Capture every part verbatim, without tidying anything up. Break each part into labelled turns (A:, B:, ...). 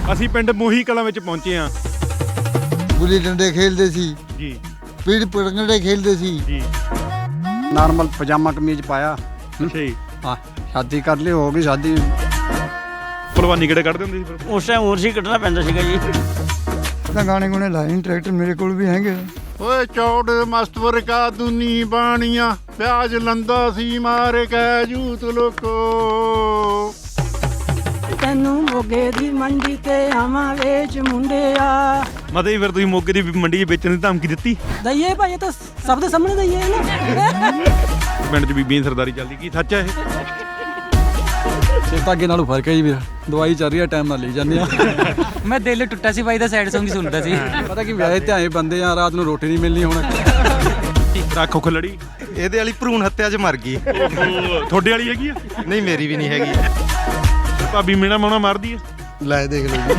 A: ਅਸੀਂ ਪਿੰਡ ਮੋਹੀ ਕਲਾਂ ਵਿੱਚ ਪਹੁੰਚੇ ਹਾਂ
B: ਗੁੱਲੀ ਡੰਡੇ ਖੇਡਦੇ ਸੀ
A: ਜੀ
B: ਪੀੜ ਪੜੰਗੜੇ ਖੇਡਦੇ ਸੀ
A: ਜੀ
C: ਨਾਰਮਲ ਪਜਾਮਾ ਕਮੀਜ਼ ਪਾਇਆ
A: ਅੱਛਾ ਜੀ
C: ਹਾਂ ਸ਼ਾਦੀ ਕਰ ਲਈ ਹੋ ਗਈ ਸ਼ਾਦੀ
A: ਭਲਵਾਨੀ ਕਿਹੜੇ ਕੱਢਦੇ ਹੁੰਦੇ ਸੀ ਫਿਰ
D: ਉਸ ਟਾਈਮ ਹੋਰ ਸੀ ਕੱਢਣਾ ਪੈਂਦਾ ਸੀਗਾ ਜੀ
B: ਤਾਂ ਗਾਣੇ ਗੁਣੇ ਲਾਏ ਨਹੀਂ ਟਰੈਕਟਰ ਮੇਰੇ ਕੋਲ ਵੀ ਹੈਗੇ
E: ਓਏ ਚੌੜ ਮਸਤਵਰ ਕਾ ਦੁਨੀ ਬਾਣੀਆਂ ਪਿਆਜ ਲੰਦਾ ਸੀ ਮਾਰੇ ਕੈ ਜੂਤ ਲੋਕੋ
F: ਤੈਨੂੰ ਮੋਗੇ ਦੀ ਮੰਡੀ ਤੇ ਆਵਾਂ ਵੇਚ ਮੁੰਡਿਆ
A: ਮਤਲਬ ਜੀ ਫਿਰ ਤੁਸੀਂ ਮੋਗੇ ਦੀ ਮੰਡੀ 'ਚ ਵੇਚਣ ਦੀ ਧਮਕੀ ਦਿੱਤੀ
F: ਦਈਏ ਭਾਈ ਇਹ ਤਾਂ ਸਭ ਦੇ ਸਾਹਮਣੇ ਦਈਏ ਨਾ
A: ਪਿੰਡ 'ਚ ਬੀਬੀਆਂ ਦੀ ਸਰਦਾਰੀ ਚੱਲਦੀ ਕੀ ਸੱਚ ਹੈ ਇਹ
C: ਸਿਹਤ ਅੱਗੇ ਨਾਲੋਂ ਫਰਕ ਹੈ ਜੀ ਮੇਰਾ ਦਵਾਈ ਚੱਲ ਰਹੀ ਹੈ ਟਾਈਮ ਨਾਲ ਲਈ ਜਾਂਦੇ ਆ
G: ਮੈਂ ਦਿਲ ਟੁੱਟਾ ਸੀ ਬਾਈ ਦਾ ਸੈਡ Song ਹੀ ਸੁਣਦਾ ਸੀ
C: ਪਤਾ ਕੀ ਵਿਆਹੇ ਧਿਆਏ ਬੰਦੇ ਆ ਰਾਤ ਨੂੰ ਰੋਟੀ ਨਹੀਂ ਮਿਲਣੀ ਹੁਣ
A: ਰੱਖ ਖਲੜੀ
H: ਇਹਦੇ ਵਾਲੀ ਭਰੂਣ ਹੱਤਿਆ 'ਚ ਮਰ ਗਈ
A: ਤੁਹਾਡੇ ਵਾਲੀ ਹੈਗੀ ਆ
H: ਨਹੀਂ ਮੇਰੀ ਵੀ ਨਹੀਂ ਹੈਗੀ
A: ਭਾਬੀ ਮੇਣਾ ਮਾਉਣਾ ਮਾਰਦੀ ਹੈ
B: ਲੈ ਦੇਖ ਲਓ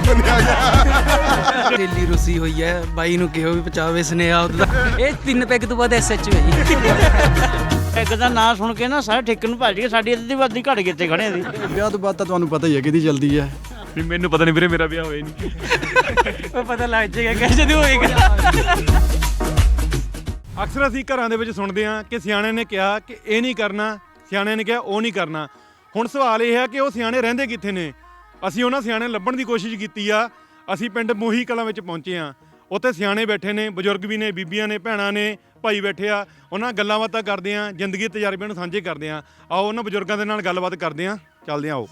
G: ਦਿੱਲੀ ਰੁੱਸੀ ਹੋਈ ਹੈ ਬਾਈ ਨੂੰ ਕਿਹੋ ਵੀ ਪਚਾਵੇ ਸੁਨੇਹਾ ਉਹਦਾ ਇਹ ਤਿੰਨ ਪੈਗ ਤੋਂ ਬਾਅਦ ਐਸਐਚ ਹੈ ਜੀ
D: ਇੱਕ ਦਾ ਨਾਂ ਸੁਣ ਕੇ ਨਾ ਸਾਰੇ ਠੇਕੇ ਨੂੰ ਭੱਜ ਗਏ ਸਾਡੀ ਅੱਧੀ ਵਾਦੀ ਘੜ ਗਏ ਤੇ ਖੜੇ ਸੀ
C: ਵਿਆਹ ਤੋਂ ਬਾਅਦ ਤਾਂ ਤੁਹਾਨੂੰ ਪਤਾ ਹੀ ਹੈ ਕਿਹਦੀ ਜਲਦੀ ਹੈ
A: ਵੀ ਮੈਨੂੰ ਪਤਾ ਨਹੀਂ ਵੀਰੇ ਮੇਰਾ ਵਿਆਹ ਹੋਇਆ ਨਹੀਂ
G: ਉਹ ਪਤਾ ਲੱਗ ਜਾਏਗਾ ਕਿ ਜਦੋਂ ਹੋਏਗਾ
A: ਅਕਸਰ ਅਸੀਂ ਘਰਾਂ ਦੇ ਵਿੱਚ ਸੁਣਦੇ ਹਾਂ ਕਿ ਸਿਆਣਿਆਂ ਨੇ ਕਿਹਾ ਕਿ ਇਹ ਨਹੀਂ ਕਰਨਾ ਸਿਆਣਿਆਂ ਨੇ ਕਿਹਾ ਉਹ ਨਹੀਂ ਕਰਨਾ ਹੁਣ ਸਵਾਲ ਇਹ ਹੈ ਕਿ ਉਹ ਸਿਆਣੇ ਰਹਿੰਦੇ ਕਿੱਥੇ ਨੇ ਅਸੀਂ ਉਹਨਾਂ ਸਿਆਣੇ ਲੱਭਣ ਦੀ ਕੋਸ਼ਿਸ਼ ਕੀਤੀ ਆ ਅਸੀਂ ਪਿੰਡ ਮੋਹੀ ਕਲਾਂ ਵਿੱਚ ਪਹੁੰਚੇ ਹਾਂ ਉੱਥੇ ਸਿਆਣੇ ਬੈਠੇ ਨੇ ਬਜ਼ੁਰਗ ਵੀ ਨੇ ਬੀਬੀਆਂ ਨੇ ਭੈਣਾਂ ਨੇ ਭਾਈ ਬੈਠੇ ਆ ਉਹਨਾਂ ਗੱਲਾਂ ਬਾਤਾਂ ਕਰਦੇ ਆ ਜ਼ਿੰਦਗੀ ਦੇ ਤਜਰਬਿਆਂ ਨੂੰ ਸਾਂਝੇ ਕਰਦੇ ਆ ਆਓ ਉਹਨਾਂ ਬਜ਼ੁਰਗਾਂ ਦੇ ਨਾਲ ਗੱਲਬਾਤ ਕਰਦੇ ਆ ਚੱਲਦੇ ਆ ਆਓ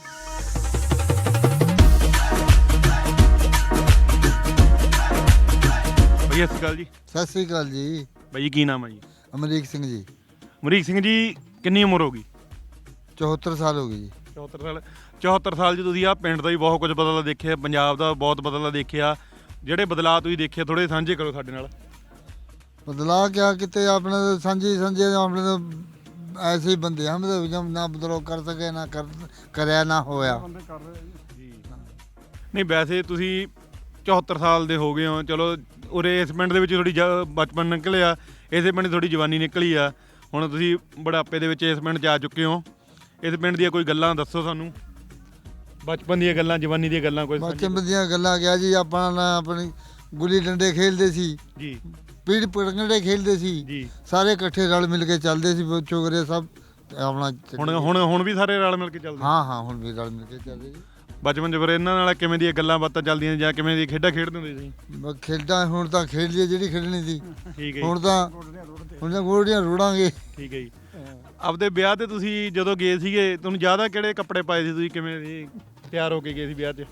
A: ਬਈ ਸਤਿ ਸ਼੍ਰੀ ਅਕਾਲ ਜੀ
B: ਸਤਿ ਸ੍ਰੀ ਅਕਾਲ ਜੀ
A: ਬਾਈ ਕੀ ਨਾਮ ਹੈ ਜੀ
B: ਅਮਰੀਕ ਸਿੰਘ ਜੀ
A: ਅਮਰੀਕ ਸਿੰਘ ਜੀ ਕਿੰਨੀ ਉਮਰ ਹੋ ਗਈ
B: ਚੌਹੱਤਰ ਸਾਲ ਹੋ ਗਏ ਜੀ
A: ਚੌਹੱਤਰ ਸਾਲ ਚੌਹੱਤਰ ਸਾਲ 'ਚ ਤੁਸੀਂ ਆ ਪਿੰਡ ਦਾ ਵੀ ਬਹੁਤ ਕੁਝ ਬਦਲਾ ਦੇਖਿਆ ਪੰਜਾਬ ਦਾ ਬਹੁਤ ਬਦਲਾ ਦੇਖਿਆ ਜਿਹੜੇ ਬਦਲਾਅ ਤੁਸੀਂ ਦੇਖੇ ਥੋੜੇ ਸਾਂਝੇ ਕਰੋ ਸਾਡੇ ਨਾਲ
B: ਬਦਲਾ ਕਿਆ ਕਿਤੇ ਆਪਣੇ ਤਾਂ ਸਾਂਝੀ ਸਾਂਝੇ ਆਪਣੇ ਤਾਂ ਐਸੇ ਹੀ ਬੰਦੇ ਹਮ ਤਾਂ ਨਾ ਬਦਲਾਅ ਕਰ ਸਕੇ ਨਾ ਕਰ ਕਰਿਆ ਨਾ ਹੋਇਆ
A: ਨਹੀਂ ਵੈਸੇ ਤੁਸੀਂ ਚੌਹੱਤਰ ਸਾਲ ਦੇ ਹੋ ਗਏ ਹੋ ਚਲੋ ਉਰੇ ਇਸ ਪਿੰਡ ਦੇ ਵਿੱਚ ਥੋੜੀ ਬਚਪਨ ਨਿਕਲਿਆ ਇਸੇ ਪਿੰਡ ਥੋੜੀ ਜਵਾਨੀ ਨਿਕਲੀ ਆ ਹੁਣ ਤੁਸੀਂ ਬੁਢਾਪੇ ਦੇ ਵਿੱਚ ਇਸ ਪਿੰਡ 'ਚ ਆ ਚੁੱਕੇ ਹੋ ਇਸ ਪਿੰਡ ਦੀਆਂ ਕੋਈ ਗੱਲਾਂ ਦੱਸੋ ਸਾਨੂੰ ਬਚਪਨ ਦੀਆਂ ਗੱਲਾਂ ਜਵਾਨੀ ਦੀਆਂ ਗੱਲਾਂ ਕੋਈ
B: ਬਚਪਨ ਦੀਆਂ ਗੱਲਾਂ ਗਿਆ ਜੀ ਆਪਾਂ ਨਾ ਆਪਣੀ ਗੁੱਲੀ ਡੰਡੇ ਖੇਡਦੇ ਸੀ
A: ਜੀ
B: ਪੀੜ ਪੜੰਗੜੇ ਖੇਡਦੇ ਸੀ
A: ਜੀ
B: ਸਾਰੇ ਇਕੱਠੇ ਰਲ ਮਿਲ ਕੇ ਚੱਲਦੇ ਸੀ ਚੋਗਰੇ ਸਭ ਆਪਣਾ
A: ਹੁਣ ਹੁਣ ਹੁਣ ਵੀ ਸਾਰੇ ਰਲ ਮਿਲ ਕੇ ਚੱਲਦੇ
B: ਹਾਂ ਹਾਂ ਹੁਣ ਵੀ ਰਲ ਮਿਲ ਕੇ ਚੱਲਦੇ ਜੀ
A: ਬਚਪਨ 'ਚ ਫਿਰ ਇਹਨਾਂ ਨਾਲ ਕਿਵੇਂ ਦੀਆਂ ਗੱਲਾਂ ਬਾਤਾਂ ਚੱਲਦੀਆਂ ਜਾਂ ਕਿਵੇਂ ਦੀ ਖੇਡਾਂ ਖੇਡਦੇ ਹੁੰਦੇ ਸੀ
B: ਬਸ ਖੇਡਾਂ ਹੁਣ ਤਾਂ ਖੇਡ ਲਈ ਜਿਹੜੀ ਖੇਡਣੀ ਸੀ
A: ਠੀਕ ਹੈ
B: ਹੁਣ ਤਾਂ ਹੁਣ ਤਾਂ ਗੋੜੀਆਂ ਰੋੜਾਂਗੇ
A: ਠੀਕ ਹੈ ਜੀ ਆਪਦੇ ਵਿਆਹ ਤੇ ਤੁਸੀਂ ਜਦੋਂ ਗਏ ਸੀਗੇ ਤੁਹਾਨੂੰ ਜ਼ਿਆਦਾ ਕਿਹੜੇ ਕੱਪੜੇ ਪਾਏ ਸੀ ਤੁਸੀਂ ਕਿਵੇਂ ਦੀ ਤਿਆਰ ਹੋ ਕੇ ਗਏ ਸੀ ਵਿਆਹ 'ਚ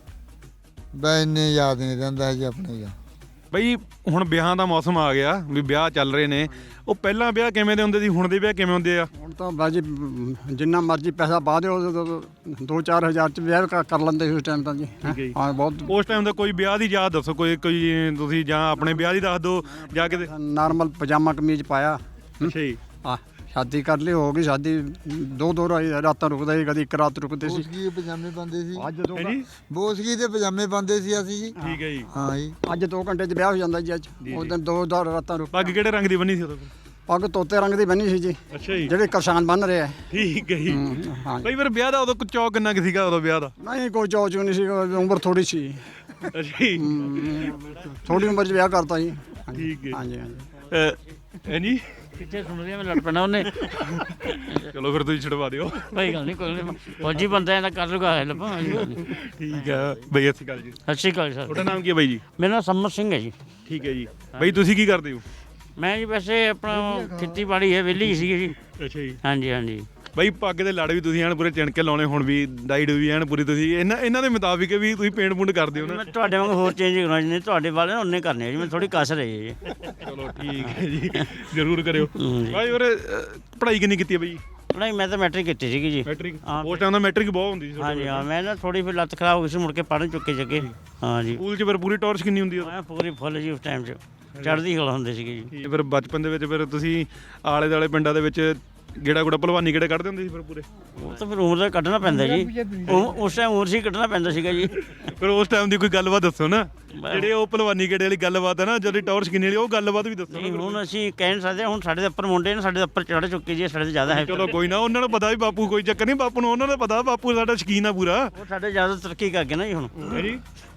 B: ਬੈ ਇੰਨੇ ਯਾਦ ਨਹੀਂ ਰਹਿੰਦਾ ਹੈ ਜੀ ਆਪਣੇ ਦਾ
A: ਬਈ ਹੁਣ ਵਿਆਹਾਂ ਦਾ ਮੌਸਮ ਆ ਗਿਆ ਵੀ ਵਿਆਹ ਚੱਲ ਰਹੇ ਨੇ ਉਹ ਪਹਿਲਾਂ ਵਿਆਹ ਕਿਵੇਂ ਦੇ ਹੁੰਦੇ ਸੀ ਹੁਣ ਦੇ ਵਿਆਹ ਕਿਵੇਂ ਹੁੰਦੇ ਆ
C: ਹੁਣ ਤਾਂ ਬਾਜੀ ਜਿੰਨਾ ਮਰਜ਼ੀ ਪੈਸਾ ਪਾ ਦਿਓ ਦੋ ਚਾਰ ਹਜ਼ਾਰ ਚ ਵਿਆਹ ਕਰ ਕਰ ਲੈਂਦੇ ਸੀ ਉਸ ਟਾਈਮ ਤਾਂ ਜੀ
A: ਠੀਕ ਹੈ ਜੀ।
C: ਹਾਂ ਬਹੁਤ
A: ਉਸ ਟਾਈਮ ਦਾ ਕੋਈ ਵਿਆਹ ਦੀ ਯਾਦ ਦੱਸੋ ਕੋਈ ਕੋਈ ਤੁਸੀਂ ਜਾਂ ਆਪਣੇ ਵਿਆਹ ਦੀ ਦੱਸ ਦਿਓ ਜਾਂ ਕਿਤੇ
C: ਨਾਰਮਲ ਪਜਾਮਾ ਕਮੀਜ਼ ਪਾਇਆ
A: ਅੱਛਾ ਜੀ
C: ਹਾਂ ਸ਼ਾਦੀ ਕਰ ਲਈ ਹੋ ਗਈ ਸ਼ਾਦੀ ਦੋ ਦੋ ਰਾਤਾਂ ਰੁਕਦਾ ਸੀ ਕਦੀ ਇੱਕ ਰਾਤ ਰੁਕਦੇ ਸੀ
B: ਬੋਸਗੀ ਦੇ ਪਜਾਮੇ ਪਾਉਂਦੇ ਸੀ
C: ਅੱਜ ਦੋ
A: ਹੈ ਜੀ
B: ਬੋਸਗੀ ਦੇ ਪਜਾਮੇ ਪਾਉਂਦੇ ਸੀ ਅਸੀਂ ਜੀ
A: ਠੀਕ ਹੈ ਜੀ
B: ਹਾਂ ਜੀ
C: ਅੱਜ ਦੋ ਘੰਟੇ ਚ ਵਿਆਹ ਹੋ ਜਾਂਦਾ ਜੀ ਅੱਜ ਉਸ ਦਿਨ ਦੋ ਦੋ ਰਾਤਾਂ ਰੁਕ
A: ਪੱਗ ਕਿਹੜੇ ਰੰਗ ਦੀ ਬੰਨੀ ਸੀ ਉਦੋਂ
C: ਪੱਗ ਤੋਤੇ ਰੰਗ ਦੀ ਬੰਨੀ ਸੀ ਜੀ
A: ਅੱਛਾ ਜੀ
C: ਜਿਹੜੇ ਕਿਸਾਨ ਬੰਨ ਰਹੇ ਆ
A: ਠੀਕ ਹੈ ਜੀ
C: ਹਾਂ
A: ਬਈ ਫਿਰ ਵਿਆਹ ਦਾ ਉਦੋਂ ਚੌਕ ਕਿੰਨਾ ਕੁ ਸੀਗਾ ਉਦੋਂ ਵਿਆਹ ਦਾ
C: ਨਹੀਂ ਕੋਈ ਚੌਚ ਨਹੀਂ ਸੀ ਉਮਰ ਥੋੜੀ ਸੀ
A: ਅੱਛਾ ਜੀ
C: ਥੋੜੀ ਉਮਰ ਚ ਵਿਆਹ ਕਰਤਾ ਜੀ
A: ਠੀਕ ਹੈ
C: ਹਾਂਜੀ ਹਾਂਜੀ
A: ਅਹ, ਹੈ ਜੀ
D: ਕਿੱਥੇ ਸੁਣਦੇ ਮੈਂ ਲੜ ਪੈਣਾ ਉਹਨੇ
A: ਚਲੋ ਫਿਰ ਤੁਸੀਂ ਛਡਵਾ ਦਿਓ
D: ਕੋਈ ਗੱਲ ਨਹੀਂ ਕੋਈ ਨਹੀਂ ਫੌਜੀ ਬੰਦਾ ਇਹਦਾ ਕਰ ਲੂਗਾ ਹੈਲਪ
A: ਠੀਕ ਹੈ ਬਈ ਅਸੀਂ ਗੱਲ ਜੀ
D: ਸਤਿ ਸ਼੍ਰੀ ਅਕਾਲ ਸਰ
A: ਤੁਹਾਡਾ ਨਾਮ ਕੀ ਹੈ ਬਾਈ ਜੀ
D: ਮੇਰਾ ਨਾਮ ਸੰਮਤ ਸਿੰਘ ਹੈ ਜੀ
A: ਠੀਕ ਹੈ ਜੀ ਬਈ ਤੁਸੀਂ ਕੀ ਕਰਦੇ ਹੋ
D: ਮੈਂ ਜੀ ਵੈਸੇ ਆਪਣਾ ਖੇਤੀਬਾੜੀ ਹੈ ਵਿਹਲੀ ਸੀ ਜੀ
A: ਅੱਛਾ ਜੀ
D: ਹਾਂਜੀ ਹਾਂਜੀ
A: ਬਈ ਪੱਗ ਦੇ ਲੜ ਵੀ ਤੁਸੀਂ ਐਨ ਪੂਰੇ ਚਿਣਕੇ ਲਾਉਣੇ ਹੁਣ ਵੀ ਡਾਈਡ ਵੀ ਐਨ ਪੂਰੀ ਤੁਸੀਂ ਇਹਨਾਂ ਇਹਨਾਂ ਦੇ ਮੁਤਾਬਿਕ ਵੀ ਤੁਸੀਂ ਪੇਂਟ ਪੂੰਟ ਕਰਦੇ ਹੋ ਨਾ
D: ਮੈਂ ਤੁਹਾਡੇ ਵਾਂਗ ਹੋਰ ਚੇਂਜ ਕਰਾਉਣਾ ਜੀ ਤੁਹਾਡੇ ਵਾਲੇ ਉਹਨੇ ਕਰਨੇ ਆ ਜੀ ਮੈਂ ਥੋੜੀ ਕਸ ਰਹੀ ਹੈ ਜੀ
A: ਚਲੋ ਠੀਕ ਹੈ ਜੀ ਜ਼ਰੂਰ ਕਰਿਓ
D: ਹੂੰ ਜੀ।
A: ਬਾਈ ਹੋਰ ਪੜ੍ਹਾਈ ਕਿੰਨੀ ਕੀਤੀ ਹੈ ਬਈ
D: ਨਹੀਂ ਮੈਂ ਤਾਂ ਮੈਟ੍ਰਿਕ ਕੀਤੀ ਸੀਗੀ ਜੀ
A: ਮੈਟ੍ਰਿਕ
D: ਹਾਂ।
A: ਉਸ ਟਾਈਮ ਦਾ ਮੈਟ੍ਰਿਕ ਬਹੁਤ ਹੁੰਦੀ ਸੀ
D: ਹਾਂਜੀ ਹਾਂ ਮੈਂ ਨਾ ਥੋੜੀ ਫਿਰ ਲੱਤ ਖਰਾਬ ਹੋ ਗਈ ਸੀ ਮੁੜ ਕੇ ਪੜ੍ਹਨ ਚੁੱਕੇ ਜੱਗੇ ਹਾਂ ਜੀ
A: ਸਕੂਲ 'ਚ ਫਿਰ ਪੂਰੀ ਟੌਰਚ ਕਿੰਨੀ ਹੁੰਦੀ ਹੈ
D: ਮੈਂ ਪੂਰੀ ਫੁੱਲ ਜੀ ਉਸ ਟਾਈਮ 'ਚ ਚੜ੍ਹਦੀ ਕਲਾ ਹੁੰਦੇ ਸੀਗੇ ਜੀ
A: ਫਿਰ ਬਚਪਨ ਦੇ ਵਿੱਚ ਫਿਰ ਤੁਸੀਂ ਆਲੇ ਦੁਆਲੇ ਪਿੰਡਾਂ ਦੇ ਵਿੱਚ ਗੇੜਾ ਗੁੜਾ ਭਲਵਾਨੀ ਗੇੜੇ ਕੱਢਦੇ ਹੁੰਦੇ ਸੀ ਫਿਰ ਪੂਰੇ
D: ਉਹ ਤਾਂ ਫਿਰ ਉਮਰ ਦਾ ਕੱਢਣਾ ਪੈਂਦਾ ਜੀ ਉਹ ਉਸ ਟਾਈਮ ਉਮਰ ਸੀ ਕੱਢਣਾ ਪੈਂਦਾ ਸੀਗਾ ਜੀ
A: ਫਿਰ ਉਸ ਟਾਈਮ ਦੀ ਕੋਈ ਗੱਲਬਾਤ ਦੱਸੋ ਨਾ ਜਿਹੜੇ ਉਹ ਭਲਵਾਨੀ ਗੇੜੇ ਵਾਲੀ ਗੱਲਬਾਤ ਹੈ ਨਾ ਜਦੋਂ ਟੌਰਚ ਕਿੰਨੀ ਵਾਲੀ ਉਹ ਗੱਲਬਾਤ ਵੀ ਦੱਸੋ
D: ਨਹੀਂ ਹੁਣ ਅਸੀਂ ਕਹਿ ਨਹੀਂ ਸਕਦੇ ਹੁਣ ਸਾਡੇ ਦੇ ਉੱਪਰ ਮੁੰਡੇ ਨੇ ਸਾਡੇ ਦੇ ਉੱਪਰ ਚੜ੍ਹ ਚੁੱਕੇ ਜੀ ਸਾਡੇ ਤੋਂ ਜ਼ਿਆਦਾ ਹੈ
A: ਚਲੋ ਕੋਈ ਨਾ ਉਹਨਾਂ ਨੂੰ ਪਤਾ ਵੀ ਬਾਪੂ ਕੋਈ ਚੱਕਰ ਨਹੀਂ ਬਾਪੂ ਨੂੰ ਉਹਨਾਂ ਨੂੰ ਪਤਾ ਬਾਪੂ ਸਾਡਾ ਸ਼ਕੀਨ ਆ ਪੂਰਾ
D: ਉਹ ਸਾਡੇ ਜ਼ਿਆਦਾ ਤਰੱਕੀ ਕਰ ਗਏ ਨਾ ਜੀ ਹੁਣ
A: ਹੈ ਜੀ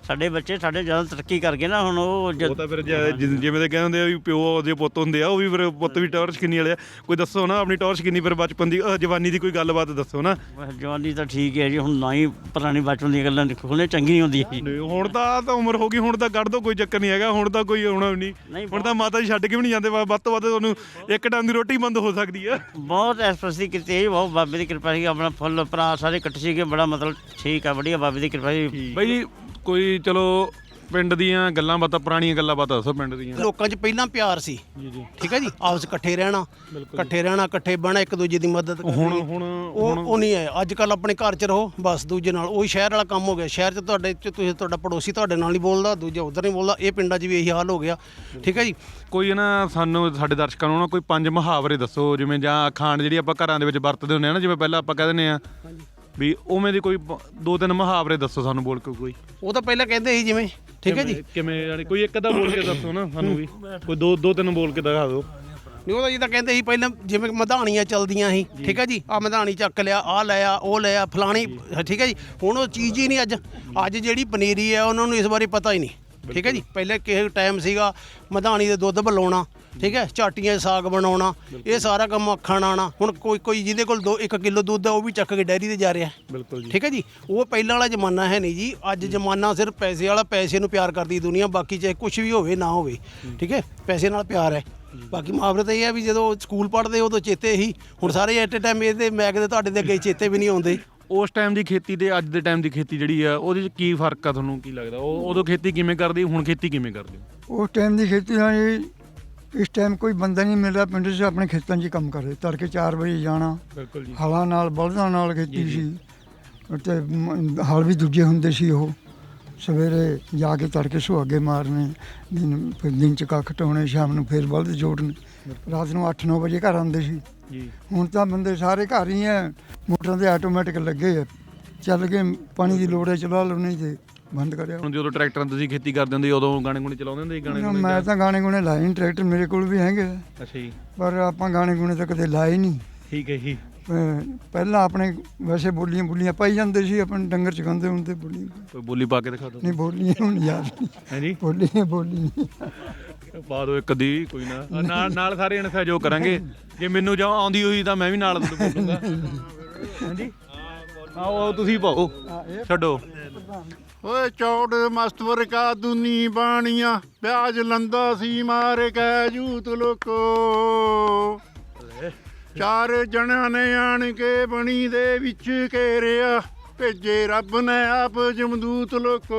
D: ਸਾਡੇ ਬੱਚੇ ਸਾਡੇ ਜ਼ਿਆਦਾ ਤਰੱਕੀ ਕਰ ਗਏ ਨਾ ਹੁਣ ਉਹ ਜ-
A: ਉਹ ਤਾਂ ਫਿਰ ਜ- ਜਿ- ਜਿਵੇਂ ਦੇ ਕਹਿੰਦੇ ਹੁੰਦੇ ਆ ਵੀ ਪਿਓ ਦੇ ਪੁੱਤ ਹੁੰਦੇ ਆ, ਉਹ ਵੀ ਫਿਰ ਪੁੱਤ ਵੀ ਟੌਰਚ ਕਿੰਨੀ ਵਾਲੇ ਆ। ਕੋਈ ਦੱਸੋ ਨਾ ਆਪਣੀ ਟੌਰਚ ਕਿੰਨੀ, ਫਿਰ ਬਚਪਨ ਦੀ ਅਹ, ਜਵਾਨੀ ਦੀ ਕੋਈ ਗੱਲਬਾਤ ਦੱਸੋ ਨਾ।
D: ਜਵਾਨੀ ਤਾਂ ਠੀਕ ਹੈ ਜੀ, ਹੁਣ ਨਾ ਹੀ ਪੁਰਾਣੀ ਬਚਪਨ ਦੀਆਂ ਗੱਲਾਂ ਖੋਲ੍ਹਣੇ ਚੰਗੀ ਨਹੀਂ ਹੁੰਦੀ ਜੀ।
A: ਨਹੀਂ, ਹੁਣ ਤਾਂ ਤਾਂ ਉਮਰ ਹੋ ਗਈ, ਹੁਣ ਤਾਂ ਕੱਢ ਦੋ, ਕੋਈ ਚੱਕਰ ਨਹੀਂ ਹੈਗਾ। ਹੁਣ ਤਾਂ ਕੋਈ ਆਉਣਾ ਵੀ ਨਹੀਂ,
D: ਨਹੀਂ,
A: ਹੁਣ ਤਾਂ ਮਾਤਾ ਜੀ ਛੱਡ ਕੇ ਵੀ ਨਹੀਂ ਜਾਂਦੇ। ਵੱਧ ਤੋਂ ਵੱਧ ਤੁਹਾਨੂੰ ਇੱਕ ਟਾਈਮ ਦੀ ਰੋਟੀ ਬੰਦ ਹੋ ਸਕਦੀ ਆ।
D: ਬਹੁਤ ਐਸਪ੍ਰੈਸੀ ਕੀਤੀ ਹੈ ਜੀ, ਬਹੁਤ ਬਾਬੇ ਦੀ ਕਿਰਪਾ ਸੀ। ਆਪਣਾ ਫੁੱਲ ਭਰਾ ਸਾਰੇ ਇਕੱਠੇ ਸੀਗੇ, ਬੜਾ ਮਤਲਬ ਠੀਕ ਆ, ਵਧੀਆ ਬਾਬੇ ਦੀ ਕਿਰਪਾ ਸੀ।
A: ਬਾਈ ਜੀ ਕੋਈ ਚਲੋ ਪਿੰਡ ਦੀਆਂ ਗੱਲਾਂ ਬਾਤਾਂ, ਪੁਰਾਣੀਆਂ ਗੱਲਾਂ ਬਾਤਾਂ ਦੱਸੋ ਪਿੰਡ ਦੀਆਂ।
I: ਲੋਕਾਂ 'ਚ ਪਹਿਲਾਂ ਪਿਆਰ ਸੀ, ਠੀਕ ਹੈ ਜੀ, ਆਪਸ ਇਕੱਠੇ ਰਹਿਣਾ, ਇਕੱਠੇ ਰਹਿਣਾ, ਇਕੱਠੇ ਬਹਿਣਾ, ਇੱਕ ਦੂਜੇ ਦੀ ਮਦਦ ਕਰਨੀ।
A: ਹੁਣ ਹੁਣ
I: ਉਹ ਉਹ ਨਹੀਂ ਹੈ ਅੱਜ ਕੱਲ। ਆਪਣੇ ਘਰ 'ਚ ਰਹੋ ਬਸ, ਦੂਜੇ ਨਾਲ ਉਹੀ ਸ਼ਹਿਰ ਵਾਲਾ ਕੰਮ ਹੋ ਗਿਆ। ਸ਼ਹਿਰ 'ਚ ਤੁਹਾਡੇ 'ਚ ਤੁਸੀਂ ਤੁਹਾਡਾ ਪੜੋਸੀ ਤੁਹਾਡੇ ਨਾਲ ਨਹੀਂ ਬੋਲਦਾ, ਦੂਜਾ ਉਧਰ ਨਹੀਂ ਬੋਲਦਾ। ਇਹ ਪਿੰਡਾਂ 'ਚ ਵੀ ਇਹੀ ਹਾਲ ਹੋ ਗਿਆ, ਠੀਕ ਹੈ ਜੀ।
A: ਕੋਈ ਨਾ ਸਾਨੂੰ ਸਾਡੇ ਦਰਸ਼ਕਾਂ ਨੂੰ ਨਾ ਕੋਈ ਪੰਜ ਮੁਹਾਵਰੇ ਦੱਸੋ, ਜਿਵੇਂ ਜਾਂ ਅਖਾਣ ਜਿਹੜੀ ਆਪਾਂ ਘਰਾਂ ਦੇ ਵਿੱਚ ਵਰਤਦੇ ਹੁੰਦੇ ਆ ਨਾ, ਜਿਵੇਂ ਪਹਿਲਾਂ ਆਪਾਂ ਕਹਿ ਦਿੰਦੇ ਆ ਵੀ ਉਵੇਂ ਦੀ ਕੋਈ ਪ- ਦੋ ਤਿੰਨ ਮੁਹਾਵਰੇ ਦੱਸੋ ਸਾਨੂੰ ਬੋਲ ਕੇ ਕੋਈ।
I: ਉਹ ਤਾਂ ਪਹਿਲਾਂ ਕਹਿੰਦੇ ਸੀ ਜਿਵੇਂ, ਠੀਕ ਹੈ ਜੀ।
A: ਕਿਵੇਂ ਯਾਨੀ ਕੋਈ ਇੱਕ ਅੱਧਾ ਬੋਲ ਕੇ ਦੱਸੋ ਨਾ ਸਾਨੂੰ ਵੀ, ਕੋਈ ਦੋ ਦੋ ਤਿੰਨ ਬੋਲ ਕੇ ਦਿਖਾ ਦਿਓ।
I: ਨਹੀਂ ਉਹਦਾ ਜਿੱਦਾਂ ਕਹਿੰਦੇ ਸੀ ਪਹਿਲਾਂ, ਜਿਵੇਂ ਮਧਾਣੀਆਂ ਚੱਲਦੀਆਂ ਸੀ, ਠੀਕ ਹੈ ਜੀ। ਆ ਮਧਾਣੀ ਚੱਕ ਲਿਆ, ਆ ਲਿਆ, ਉਹ ਲਿਆ, ਫਲਾਣੀ, ਠੀਕ ਹੈ ਜੀ। ਹੁਣ ਉਹ ਚੀਜ਼ ਹੀ ਨਹੀਂ ਅੱਜ। ਅੱਜ ਜਿਹੜੀ ਪਨੀਰੀ ਹੈ ਉਹਨਾਂ ਨੂੰ ਇਸ ਬਾਰੇ ਪਤਾ ਹੀ ਨਹੀਂ, ਠੀਕ ਹੈ ਜੀ। ਪਹਿਲੇ ਕਿਸੇ ਟਾਈਮ ਸੀਗਾ ਮਧਾਣੀ ਦੇ ਦੁੱਧ ਬਲਾਉਣਾ, ਠੀਕ ਹੈ, ਝਾਟੀਆਂ 'ਚ ਸਾਗ ਬਣਾਉਣਾ, ਇਹ ਸਾਰਾ ਕੰਮ ਅੱਖਾਂ ਨਾਲ ਆਉਣਾ। ਹੁਣ ਕੋਈ ਕੋਈ ਜਿਹਦੇ ਕੋਲ ਦੋ ਇੱਕ ਕਿਲੋ ਦੁੱਧ ਹੈ ਉਹ ਵੀ ਚੱਕ ਕੇ ਡੈਰੀ ਤੇ ਜਾ ਰਿਹਾ,
A: ਬਿਲਕੁਲ ਜੀ,
I: ਠੀਕ ਹੈ ਜੀ। ਉਹ ਪਹਿਲਾਂ ਵਾਲਾ ਜ਼ਮਾਨਾ ਹੈ ਨਹੀਂ ਜੀ। ਅੱਜ ਜ਼ਮਾਨਾ ਸਿਰਫ ਪੈਸੇ ਵਾਲਾ, ਪੈਸੇ ਨੂੰ ਪਿਆਰ ਕਰਦੀ ਦੁਨੀਆ, ਬਾਕੀ ਚਾਹੇ ਕੁਝ ਵੀ ਹੋਵੇ ਨਾ ਹੋਵੇ, ਠੀਕ ਹੈ, ਪੈਸੇ ਨਾਲ ਪਿਆਰ ਹੈ। ਬਾਕੀ ਮੁਹਾਵਰੇ ਤਾਂ ਇਹ ਹੈ ਵੀ ਜਦੋਂ ਸਕੂਲ ਪੜ੍ਹਦੇ ਉਦੋਂ ਚੇਤੇ ਹੀ, ਹੁਣ ਸਾਰੇ ਐਟ ਏ ਟਾਈਮ ਇਹਦੇ ਮੈਂ ਕਿਤੇ ਤੁਹਾਡੇ ਦੇ ਅੱਗੇ ਚੇਤੇ ਵੀ ਨਹੀਂ ਆਉਂਦੇ।
A: ਉਸ ਟਾਈਮ ਦੀ ਖੇਤੀ ਤੇ ਅੱਜ ਦੇ ਟਾਈਮ ਦੀ ਖੇਤੀ ਜਿਹੜੀ ਆ ਉਹਦੇ 'ਚ ਕੀ ਫਰਕ ਆ, ਤੁਹਾਨੂੰ ਕੀ ਲੱਗਦਾ? ਉਹ ਉਦੋਂ ਖੇਤੀ ਕਿਵੇਂ ਕਰਦੇ, ਹੁਣ ਖੇਤੀ ਕਿਵੇਂ ਕਰਦੇ?
B: ਉਸ ਟਾਈਮ ਦੀ ਖੇਤੀ ਨਾਲ ਇਸ ਟਾਈਮ ਕੋਈ ਬੰਦਾ ਨਹੀਂ ਮਿਲ ਰਿਹਾ ਪਿੰਡ 'ਚ ਆਪਣੇ ਖੇਤਾਂ 'ਚ ਹੀ ਕੰਮ ਕਰੇ। ਤੜਕੇ ਚਾਰ ਵਜੇ ਜਾਣਾ,
A: ਬਿਲਕੁਲ ਜੀ,
B: ਹਲਾਂ ਨਾਲ ਬਲਦਾਂ ਨਾਲ ਖੇਤੀ ਸੀ, ਤੇ ਮ- ਹਲ ਵੀ ਦੂਜੇ ਹੁੰਦੇ ਸੀ। ਉਹ ਸਵੇਰੇ ਜਾ ਕੇ ਤੜਕੇ ਸੁਹਾਗੇ ਮਾਰਨੇ, ਦਿਨ ਫਿਰ ਦਿਨ 'ਚ ਕੱਖ ਢਾਉਣੇ, ਸ਼ਾਮ ਨੂੰ ਫਿਰ ਬਲਦ ਜੋੜਨੇ, ਰਾਤ ਨੂੰ ਅੱਠ ਨੌ ਵਜੇ ਘਰ ਆਉਂਦੇ ਸੀ।
A: ਜੀ
B: ਹੁਣ ਤਾਂ ਬੰਦੇ ਸਾਰੇ ਘਰ ਹੀ ਐ, ਮੋਟਰਾਂ ਤੇ ਆਟੋਮੈਟਿਕ ਲੱਗੇ ਆ, ਚੱਲ ਕੇ ਪਾਣੀ ਦੀ ਲੋੜ ਹੈ ਚਲਾ ਲਓ, ਨਹੀਂ ਤੇ ਬੰਦ ਕਰਿਆ।
A: ਹੁਣ ਜਦੋਂ ਟਰੈਕਟਰਾਂ ਤੁਸੀਂ ਖੇਤੀ ਕਰਦੇ ਹੁੰਦੇ ਉਦੋਂ ਗਾਣੇ ਗੁਣੇ ਚਲਾਉਂਦੇ ਹੁੰਦੇ ਸੀ? ਗਾਣੇ ਗੁਣੇ
B: ਮੈਂ ਤਾਂ ਗਾਣੇ ਗੁਣੇ ਲਾਏ ਨਹੀਂ, ਟਰੈਕਟਰ ਮੇਰੇ ਕੋਲ ਵੀ ਹੈਗੇ ਆ,
A: ਅੱਛਾ ਜੀ,
B: ਪਰ ਆਪਾਂ ਗਾਣੇ ਗੁਣੇ ਤਾਂ ਕਦੇ ਲਾਏ ਨਹੀਂ।
A: ਠੀਕ ਹੈ ਜੀ।
B: ਅਹ ਪਹਿਲਾਂ ਆਪਣੇ ਵੈਸੇ ਬੋਲੀਆਂ ਬੋਲੀਆਂ ਪਾਈ ਜਾਂਦੇ ਸੀ, ਆਪਣੇ ਡੰਗਰ ਚਗਾਉਂਦੇ ਹੁੰਦੇ ਬੋਲੀਆਂ।
A: ਕੋਈ ਬੋਲੀ ਪਾ ਕੇ ਦਿਖਾ ਦਿਓ।
B: ਨਹੀਂ ਬੋਲੀਆਂ ਹੁਣ ਯਾਦ ਨਹੀਂ,
A: ਹੈ ਜੀ,
B: ਬੋਲੀਆਂ ਬੋਲੀ ਨਹੀਂ।
A: ਪਾ ਦਿਓ ਇੱਕ ਦੀ, ਕੋਈ ਨਾ। ਆਹ ਨਾਲ ਨਾਲ ਸਾਰੇ ਜਣੇ ਸਹਿਯੋਗ ਕਰਾਂਗੇ। ਜੇ ਮੈਨੂੰ ਜਾਂ ਆਉਂਦੀ ਹੋਈ ਤਾਂ ਮੈਂ ਵੀ ਨਾਲ ਤੁਹਾਨੂੰ ਬੋਲੂੰਗਾ। ਹਾਂਜੀ, ਆਓ ਤੁਸੀਂ ਪਾਓ, ਛੱਡੋ।
E: ਓਏ ਚੌੜ ਮਸਤਵਰ ਕਾ ਦੁਨੀ ਬਾਣੀਆਂ, ਪਿਆਜ ਲੰਦਾ ਸੀ ਮਾਰ ਕੇ ਜੂਤ ਲੋਕੋ। ਚਾਰ ਜਣਿਆਂ ਨੇ ਆਣ ਕੇ ਬਣੀ ਦੇ ਵਿੱਚ ਘੇਰਿਆ, ਭੇਜੇ ਰੱਬ ਨੇ ਆਪ ਜਮਦੂਤ ਲੋਕੋ।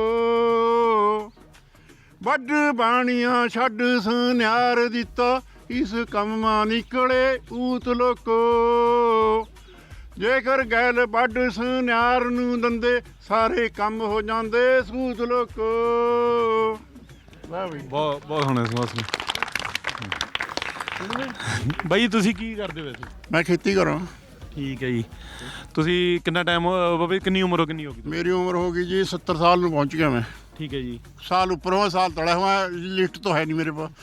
E: ਵੱਡ ਬਾਣੀਆਂ ਛੱਡ ਸੁਨਿਆਰ ਦਿੱਤਾ, ਇਸ ਕੰਮਾਂ ਨਿਕਲੇ ਊਤ ਲੋਕੋ। ਜੇਕਰ ਗੈਲ ਵੱਡ ਸੁਨਿਆਰ ਨੂੰ ਦੰਦੇ, ਸਾਰੇ ਕੰਮ ਹੋ ਜਾਂਦੇ ਸੂਤ ਲੋਕੋ। ਵਾਹ ਬਈ,
A: ਬਹੁਤ ਬਹੁਤ ਸੋਹਣੇ ਸੋਹਣੇ। ਬਾਈ ਤੁਸੀਂ ਕੀ ਕਰਦੇ ਵੈਸੇ?
E: ਮੈਂ ਖੇਤੀ ਕਰਾਂ।
A: ਠੀਕ ਹੈ ਜੀ। ਤੁਸੀਂ ਕਿੰਨਾ ਟਾਈਮ, ਬਾਬੇ ਕਿੰਨੀ ਉਮਰ ਹੋ, ਕਿੰਨੀ ਹੋ ਗਈ?
E: ਮੇਰੀ ਉਮਰ ਹੋ ਗਈ ਜੀ ਸੱਤਰ ਸਾਲ ਨੂੰ ਪਹੁੰਚ ਗਿਆ ਮੈਂ।
A: ਠੀਕ ਹੈ ਜੀ।
E: ਸਾਲ ਉੱਪਰੋਂ ਸਾਲ ਤੜਾ हुआ, ਲਿਸਟ तो है नहीं मेरे पास।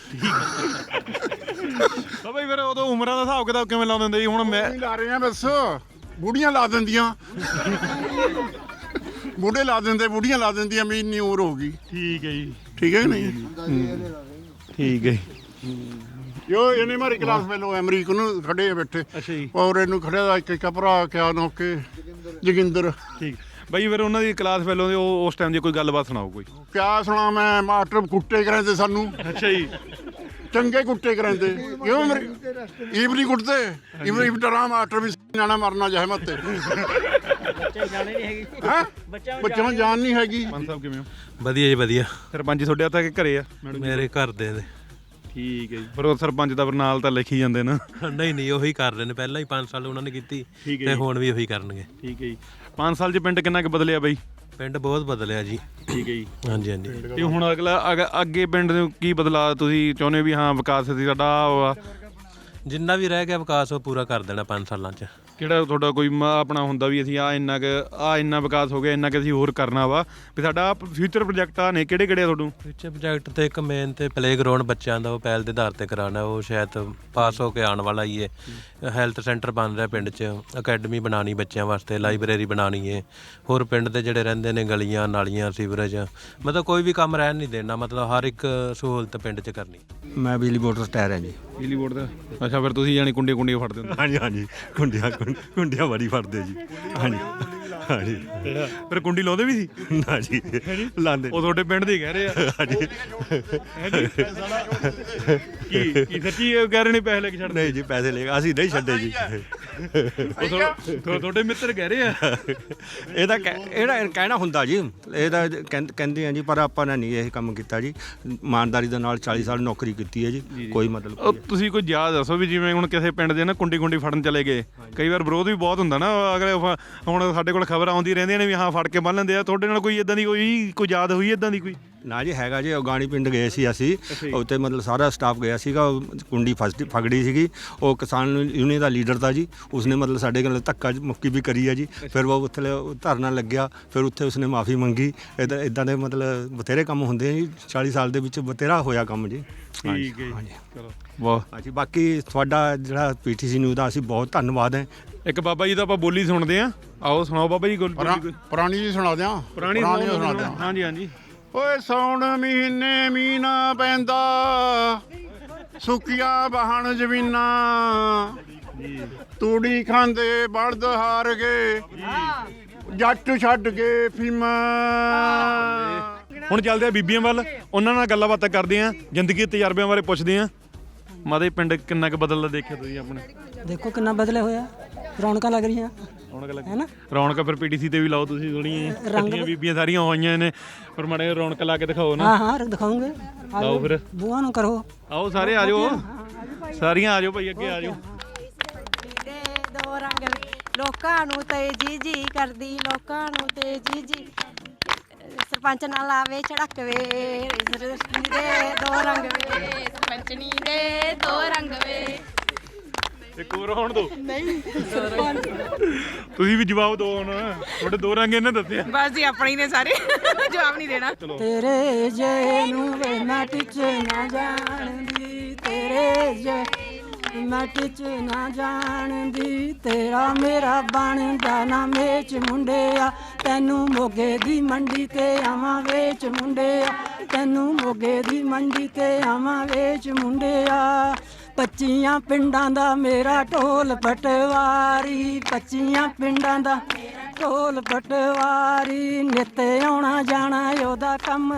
A: ਬਾਬਾ ਜੀ ਫਿਰ ਉਦੋਂ ਉਮਰਾਂ ਦਾ ਹਿਸਾਬ ਕਿਤਾਬ ਕਿਵੇਂ ਲਾਉਂਦੇ ਹੁੰਦੇ ਜੀ? ਹੁਣ ਮੈਂ
E: ਨਹੀਂ ਲਾ ਰਹੇ ਆ ਬਸ, ਬੁੜੀਆਂ ਲਾ ਦਿੰਦੀਆਂ, ਬੁੱਢੇ ਲਾ ਦਿੰਦੇ, ਬੁੜੀਆਂ ਲਾ ਦਿੰਦੀਆਂ, ਮੇਰੀ ਇੰਨੀ ਉਮਰ ਹੋ ਗਈ।
A: ਠੀਕ ਹੈ ਜੀ,
E: ਠੀਕ ਹੈ ਕਿ ਨਹੀਂ?
A: ਠੀਕ ਹੈ।
E: ਜੋ ਇਹਨੇ ਮਾਰੀ ਕਲਾਸ ਫੈਲੋ ਅਮਰੀਕ ਨੂੰ ਖੜੇ ਆ ਬੈਠੇ,
A: ਅੱਛਾ ਜੀ,
E: ਔਰ ਇਹਨੂੰ ਖੜਿਆ ਦਾ ਇੱਕ ਇੱਕ ਭਰਾ ਕਿਆ ਨੌਕੇ ਜੋਗਿੰਦਰ।
A: ਠੀਕ। ਬਾਈ ਫਿਰ ਉਹਨਾਂ ਦੀ ਕਲਾਸ ਫੈਲੋ ਦੇ ਉਹ ਉਸ ਟਾਈਮ ਦੀ ਕੋਈ ਗੱਲਬਾਤ ਸੁਣਾਓ ਕੋਈ।
E: ਕਿਆ ਸੁਣਾ ਮੈਂ, ਮਾਸਟਰ ਕੁੱਟੇ ਕਰਾਂਦੇ ਸਾਨੂੰ।
A: ਅੱਛਾ ਜੀ,
E: ਚੰਗੇ ਕੁੱਟੇ ਕਰਾਂਦੇ, ਕਿਉਂ ਮੇਰੇ ਈਵ ਨਹੀਂ ਕੁੱਟਦੇ, ਈਵ ਈਵ ਡਰਾ ਮਾਸਟਰ ਵੀ ਜਾਣਾ ਮਰਨਾ ਜਾਏ ਮੱਤੇ।
D: ਬੱਚੇ ਜਾਣੇ ਨਹੀਂ ਹੈਗੀ,
E: ਹੈਂ
D: ਬੱਚਿਆਂ
E: ਬੱਚਿਆਂ ਨੂੰ ਜਾਨ ਨਹੀਂ ਹੈਗੀ।
A: ਪੰਜ ਸਾਹਿਬ ਕਿਵੇਂ ਹੋ?
H: ਵਧੀਆ ਜੀ ਵਧੀਆ।
A: ਸਰਪੰਚ ਜੀ ਤੁਹਾਡੇ ਹੱਥ ਆ ਕੇ ਘਰੇ ਆ?
H: ਮੇਰੇ ਘਰ ਦੇ ਦੇ
A: ਠੀਕ ਹੈ ਜੀ। ਪਰ ਉਹ ਸਰਪੰਚ ਦਾ ਨਾਲ ਤਾਂ ਲਿਖੀ ਜਾਂਦੇ ਨਾ।
H: ਨਹੀਂ ਨਹੀਂ ਉਹੀ ਕਰ ਰਹੇ ਨੇ, ਪਹਿਲਾਂ ਹੀ ਪੰਜ ਸਾਲ ਉਹਨਾਂ ਨੇ ਕੀਤੀ
A: ਠੀਕ ਹੈ
H: ਤੇ
A: ਜੀ।
H: ਹੁਣ ਵੀ ਉਹੀ ਕਰਨਗੇ।
A: ਠੀਕ ਹੈ ਜੀ। ਪੰਜ ਸਾਲ 'ਚ ਪਿੰਡ ਕਿੰਨਾ ਕੁ ਬਦਲਿਆ ਬਾਈ?
H: ਪਿੰਡ ਬਹੁਤ ਬਦਲਿਆ ਜੀ।
A: ਠੀਕ ਹੈ ਜੀ।
H: ਹਾਂਜੀ ਹਾਂਜੀ।
A: ਤੇ ਹੁਣ ਅਗਲਾ ਅਗ- ਅੱਗੇ ਪਿੰਡ ਨੂੰ ਕੀ ਬਦਲਾਅ ਤੁਸੀਂ ਚਾਹੁੰਦੇ ਵੀ ਹਾਂ ਵਿਕਾਸ ਸੀ ਸਾਡਾ ਆਹ ਵਾ?
H: ਜਿੰਨਾ ਵੀ ਰਹਿ ਗਿਆ ਵਿਕਾਸ ਉਹ ਪੂਰਾ ਕਰ ਦੇਣਾ ਪੰਜ ਸਾਲਾਂ 'ਚ।
A: ਕਿਹੜਾ ਤੁਹਾਡਾ ਕੋਈ ਮ- ਆਪਣਾ ਹੁੰਦਾ ਵੀ ਅਸੀਂ ਆ ਇੰਨਾ ਕੁ ਆ ਇੰਨਾ ਵਿਕਾਸ ਹੋ ਗਿਆ, ਇੰਨਾ ਕਿ ਅਸੀਂ ਹੋਰ ਕਰਨਾ ਵਾ ਵੀ ਸਾਡਾ ਫਿਊਚਰ ਪ੍ਰੋਜੈਕਟ ਆ ਨੇ ਕਿਹੜੇ ਕਿਹੜੇ ਆ ਤੁਹਾਨੂੰ?
H: ਫਿਊਚਰ ਪ੍ਰੋਜੈਕਟ ਤੇ ਇੱਕ ਮੇਨ ਤੇ ਪਲੇ ਗਰਾਊਂਡ ਬੱਚਿਆਂ ਦਾ ਉਹ ਪਹਿਲ ਦੇ ਆਧਾਰ ਤੇ ਕਰਾਉਣਾ, ਉਹ ਸ਼ਾਇਦ ਪਾਸ ਹੋ ਕੇ ਆਉਣ ਵਾਲਾ ਹੀ ਹੈ। ਹੈਲਥ ਸੈਂਟਰ ਬਣ ਰਿਹਾ ਪਿੰਡ 'ਚ, ਅਕੈਡਮੀ ਬਣਾਉਣੀ ਬੱਚਿਆਂ ਵਾਸਤੇ, ਲਾਇਬ੍ਰੇਰੀ ਬਣਾਉਣੀ ਹੈ। ਹੋਰ ਪਿੰਡ ਦੇ ਜਿਹੜੇ ਰਹਿੰਦੇ ਨੇ ਗਲੀਆਂ ਨਾਲੀਆਂ ਸੀਵਰੇਜ, ਮਤਲਬ ਕੋਈ ਵੀ ਕੰਮ ਰਹਿਣ ਨਹੀਂ ਦੇਣਾ, ਮਤਲਬ ਹਰ ਇੱਕ ਸਹੂਲਤ ਪਿੰਡ 'ਚ ਕਰਨੀ।
C: ਮੈਂ ਬਿਜਲੀ ਬੋਰਡ ਤੋਂ ਰਿਟਾਇਰ ਹਾਂ ਜੀ।
A: ਬਿਜਲੀ ਬੋਰਡ ਦਾ? ਅੱਛਾ, ਫਿਰ ਤੁਸੀਂ ਜਾਨੀ ਕੁੰਡੀਆਂ ਕੁੰਡੀਆਂ ਫੜਦੇ ਹੁੰਦੇ?
C: ਹਾਂਜੀ ਹਾਂਜੀ, ਕੁੰਡੀਆਂ ਕੁੰਡੀਆਂ ਬੜੀ ਫੜਦੇ ਜੀ। ਹਾਂਜੀ ਹਾਂਜੀ।
A: ਫਿਰ ਕੁੰਡੀ ਲਾਉਂਦੇ ਵੀ ਸੀ?
C: ਨਾ ਜੀ, ਲਾਉਂਦੇ
A: ਉਹ ਤੁਹਾਡੇ ਪਿੰਡ ਦੇ ਹੀ ਕਹਿ ਰਹੇ ਆ।
C: ਹਾਂਜੀ।
A: ਕੀ ਕੀ ਸੱਚੀ ਇਹ ਕਹਿ ਰਹੇ ਨੇ ਪੈਸੇ ਲੈ ਕੇ ਛੱਡਦੇ?
C: ਨਹੀਂ ਜੀ, ਪੈਸੇ ਲੈ ਕੇ ਅਸੀਂ ਨਹੀਂ ਛੱਡੇ ਜੀ।
A: ਉਹ ਤੁਹਾ- ਤੁਹਾਡੇ ਮਿੱਤਰ ਕਹਿ ਰਹੇ ਆ।
C: ਇਹਦਾ ਕਹਿ- ਇਹਦਾ ਕਹਿਣਾ ਹੁੰਦਾ ਜੀ, ਇਹਦਾ ਕਹਿੰ- ਕਹਿੰਦੇ ਆ ਜੀ, ਪਰ ਆਪਾਂ ਨੇ ਨਹੀਂ ਇਹ ਕੰਮ ਕੀਤਾ ਜੀ। ਇਮਾਨਦਾਰੀ ਦੇ ਨਾਲ ਚਾਲੀ ਸਾਲ ਨੌਕਰੀ ਕੀਤੀ ਹੈ ਜੀ, ਕੋਈ ਮਤਲਬ
A: ਉਹ ਤੁਸੀਂ ਕੋਈ ਯਾਦ ਦੱਸੋ ਵੀ ਜਿਵੇਂ ਹੁਣ ਕਿਸੇ ਪਿੰਡ ਦੇ ਨਾ ਕੁੰਡੀ ਕੁੰਡੀ ਫੜਨ ਚਲੇ ਗਏ, ਕਈ ਵਾਰ ਵਿਰੋਧ ਵੀ ਬਹੁਤ ਹੁੰਦਾ ਨਾ। ਅਗਰ ਫ- ਹੁਣ ਸਾਡੇ ਕੋਲ ਖਬਰ ਆਉਂਦੀ ਰਹਿੰਦੀਆਂ ਨੇ ਵੀ ਹਾਂ ਫੜ ਕੇ ਬੰਨ ਲੈਂਦੇ ਆ, ਤੁਹਾਡੇ ਨਾਲ ਕੋਈ ਇਦਾਂ ਦੀ ਕੋਈ ਕੋਈ ਯਾਦ ਹੋਈ ਇਦਾਂ ਦੀ ਕੋਈ?
C: ਨਾ ਜੀ, ਹੈਗਾ ਜੀ। ਉਗਾਣੀ ਪਿੰਡ ਗਏ ਸੀ ਅਸੀਂ, ਉੱਥੇ ਮਤਲਬ ਸਾਰਾ ਸਟਾਫ ਗਿਆ ਸੀਗਾ। ਉਹ ਕੁੰਡੀ ਫਸ ਫਗੜੀ ਸੀਗੀ, ਉਹ ਕਿਸਾਨ ਯੂਨੀਅਨ ਦਾ ਲੀਡਰ ਤਾਂ ਜੀ, ਉਸਨੇ ਮਤਲਬ ਸਾਡੇ ਨਾਲ ਧੱਕਾ ਮੁੱਕੀ ਵੀ ਕਰੀ ਹੈ ਜੀ। ਫਿਰ ਉਹ ਉੱਥੇ ਧਰਨਾ ਲੱਗਿਆ, ਫਿਰ ਉੱਥੇ ਉਸਨੇ ਮਾਫੀ ਮੰਗੀ। ਇੱਦਾਂ ਇੱਦਾਂ ਦੇ ਮਤਲਬ ਬਥੇਰੇ ਕੰਮ ਹੁੰਦੇ ਆ ਜੀ, ਚਾਲੀ ਸਾਲ ਦੇ ਵਿੱਚ ਬਥੇਰਾ ਹੋਇਆ ਕੰਮ ਜੀ।
A: ਠੀਕ ਹੈ
C: ਹਾਂਜੀ,
A: ਚਲੋ ਬਹੁਤ।
C: ਹਾਂਜੀ। ਬਾਕੀ ਤੁਹਾਡਾ ਜਿਹੜਾ ਪੀਟੀਸੀ ਨਿਊਜ਼ ਦਾ ਅਸੀਂ ਬਹੁਤ ਧੰਨਵਾਦ ਹੈ।
A: ਇੱਕ ਬਾਬਾ ਜੀ ਦਾ ਆਪਾਂ ਬੋਲੀ ਸੁਣਦੇ ਆ, ਆਓ ਸੁਣਾਓ ਬਾਬਾ ਜੀ ਗੋਲ- ਬੋਲੀ ਕੋਈ
E: ਪੁਰਾਣੀ ਜੀ ਸੁਣਾ ਦਿਆਂ
A: ਪੁਰਾਣੀ
E: ਸੁਣਾ ਦਿਆਂ।
A: ਹਾਂਜੀ ਹਾਂਜੀ।
E: ਓਏ ਸੌਣ ਮਹੀਨੇ ਮੀਨਾ ਪੈਂਦਾ, ਸੁੱਕੀਆਂ ਬਹਣ ਜ਼ਮੀਨਾਂ, ਤੂੜੀ ਖਾਂਦੇ ਬਲਦ ਹਾਰ ਗਏ, ਜੱਟ ਛੱਡ ਕੇ ਫੀਮਾ।
A: ਹੁਣ ਚੱਲਦੇ ਆ ਬੀਬੀਆਂ ਵੱਲ, ਉਹਨਾਂ ਨਾਲ ਗੱਲਾਂ ਬਾਤਾਂ ਕਰਦੇ ਆ, ਜ਼ਿੰਦਗੀ ਦੇ ਤਜਰਬਿਆਂ ਬਾਰੇ ਪੁੱਛਦੇ ਆ। ਮਾਦੇ ਪਿੰਡ ਕਿੰਨਾ ਕੁ ਬਦਲਦਾ ਦੇਖਿਆ ਤੁਸੀਂ ਆਪਣੇ?
F: ਦੇਖੋ ਕਿੰਨਾ ਬਦਲੇ ਹੋਇਆ, ਰੌਣਕਾਂ ਲੱਗ ਰਹੀਆਂ
A: ਰੌਣਕ ਲੱਗ
F: ਹੈ ਨਾ।
A: ਰੌਣਕ ਫਿਰ ਪੀਟੀਸੀ ਤੇ ਵੀ ਲਾਓ ਤੁਸੀਂ, ਥੋੜੀਆਂ ਰੰਗੀਆਂ ਬੀਬੀਆਂ ਸਾਰੀਆਂ ਹੋਈਆਂ ਨੇ, ਪਰ ਮਾੜੇ ਰੌਣਕ ਲਾ ਕੇ ਦਿਖਾਓ ਨਾ।
F: ਹਾਂ ਹਾਂ ਦਿਖਾਉਂਗੇ,
A: ਲਾਓ ਫਿਰ,
F: ਬੂਆ ਨੂੰ ਕਰੋ।
A: ਆਓ ਸਾਰੇ ਆ ਜਾਓ, ਸਾਰੀਆਂ ਆ ਜਾਓ ਭਾਈ, ਅੱਗੇ ਆ ਜਾਓ।
J: ਦੇ ਦੋ ਰੰਗ ਲੋਕਾਂ ਨੂੰ ਤੇ ਜੀ ਜੀ ਕਰਦੀ, ਲੋਕਾਂ ਨੂੰ ਤੇ ਜੀ ਜੀ ਸਰਪੰਚ ਨਾਲ ਆਵੇ ਝੜਕ ਵੇ, ਸਰਪੰਚਣੀ ਦੇ ਦੋ ਰੰਗ ਵੇ, ਸਰਪੰਚਣੀ ਦੇ ਦੋ ਰੰਗ ਵੇ।
A: ਇੱਕ ਹੋਰ ਹੋਣ ਦੋ। ਨਹੀਂ ਤੁਸੀਂ ਵੀ ਜਵਾਬ ਦਿਓ ਹੁਣ, ਤੁਹਾਡੇ ਦੋ ਰੰਗ ਇਹਨੇ ਦੱਸਿਆ।
K: ਬਸ ਜੀ ਆਪਣੇ ਹੀ ਨੇ ਸਾਰੇ, ਜਵਾਬ ਨਹੀਂ ਦੇਣਾ।
F: ਤੇਰੇ ਜੇ ਨੂੰ ਵੇ ਮੈਂ ਟਿਚ ਨਾ ਜਾਣਦੀ, ਤੇਰੇ ਜੇ ਮੈਂ ਟਿਚ ਨਾ ਜਾਣਦੀ, ਤੇਰਾ ਮੇਰਾ ਬਣਦਾ ਨਾ ਮੇਚ ਮੁੰਡਿਆ, ਤੈਨੂੰ ਮੋਗੇ ਦੀ ਮੰਡੀ ਤੇ ਆਵਾਂ ਵੇਚ ਮੁੰਡਿਆ, ਤੈਨੂੰ ਮੋਗੇ ਦੀ ਮੰਡੀ ਤੇ ਆਵਾਂ ਵੇਚ ਮੁੰਡਿਆ। ਪੱਚੀਆਂ ਪਿੰਡਾਂ ਦਾ ਮੇਰਾ ਢੋਲ ਪਟਵਾਰੀ, ਪੱਚੀਆਂ ਪਿੰਡਾਂ ਦਾ ਢੋਲ ਪਟਵਾਰੀ, ਨਿੱਤ ਆਉਣਾ ਜਾਣਾ ਉਹਦਾ ਕੰਮ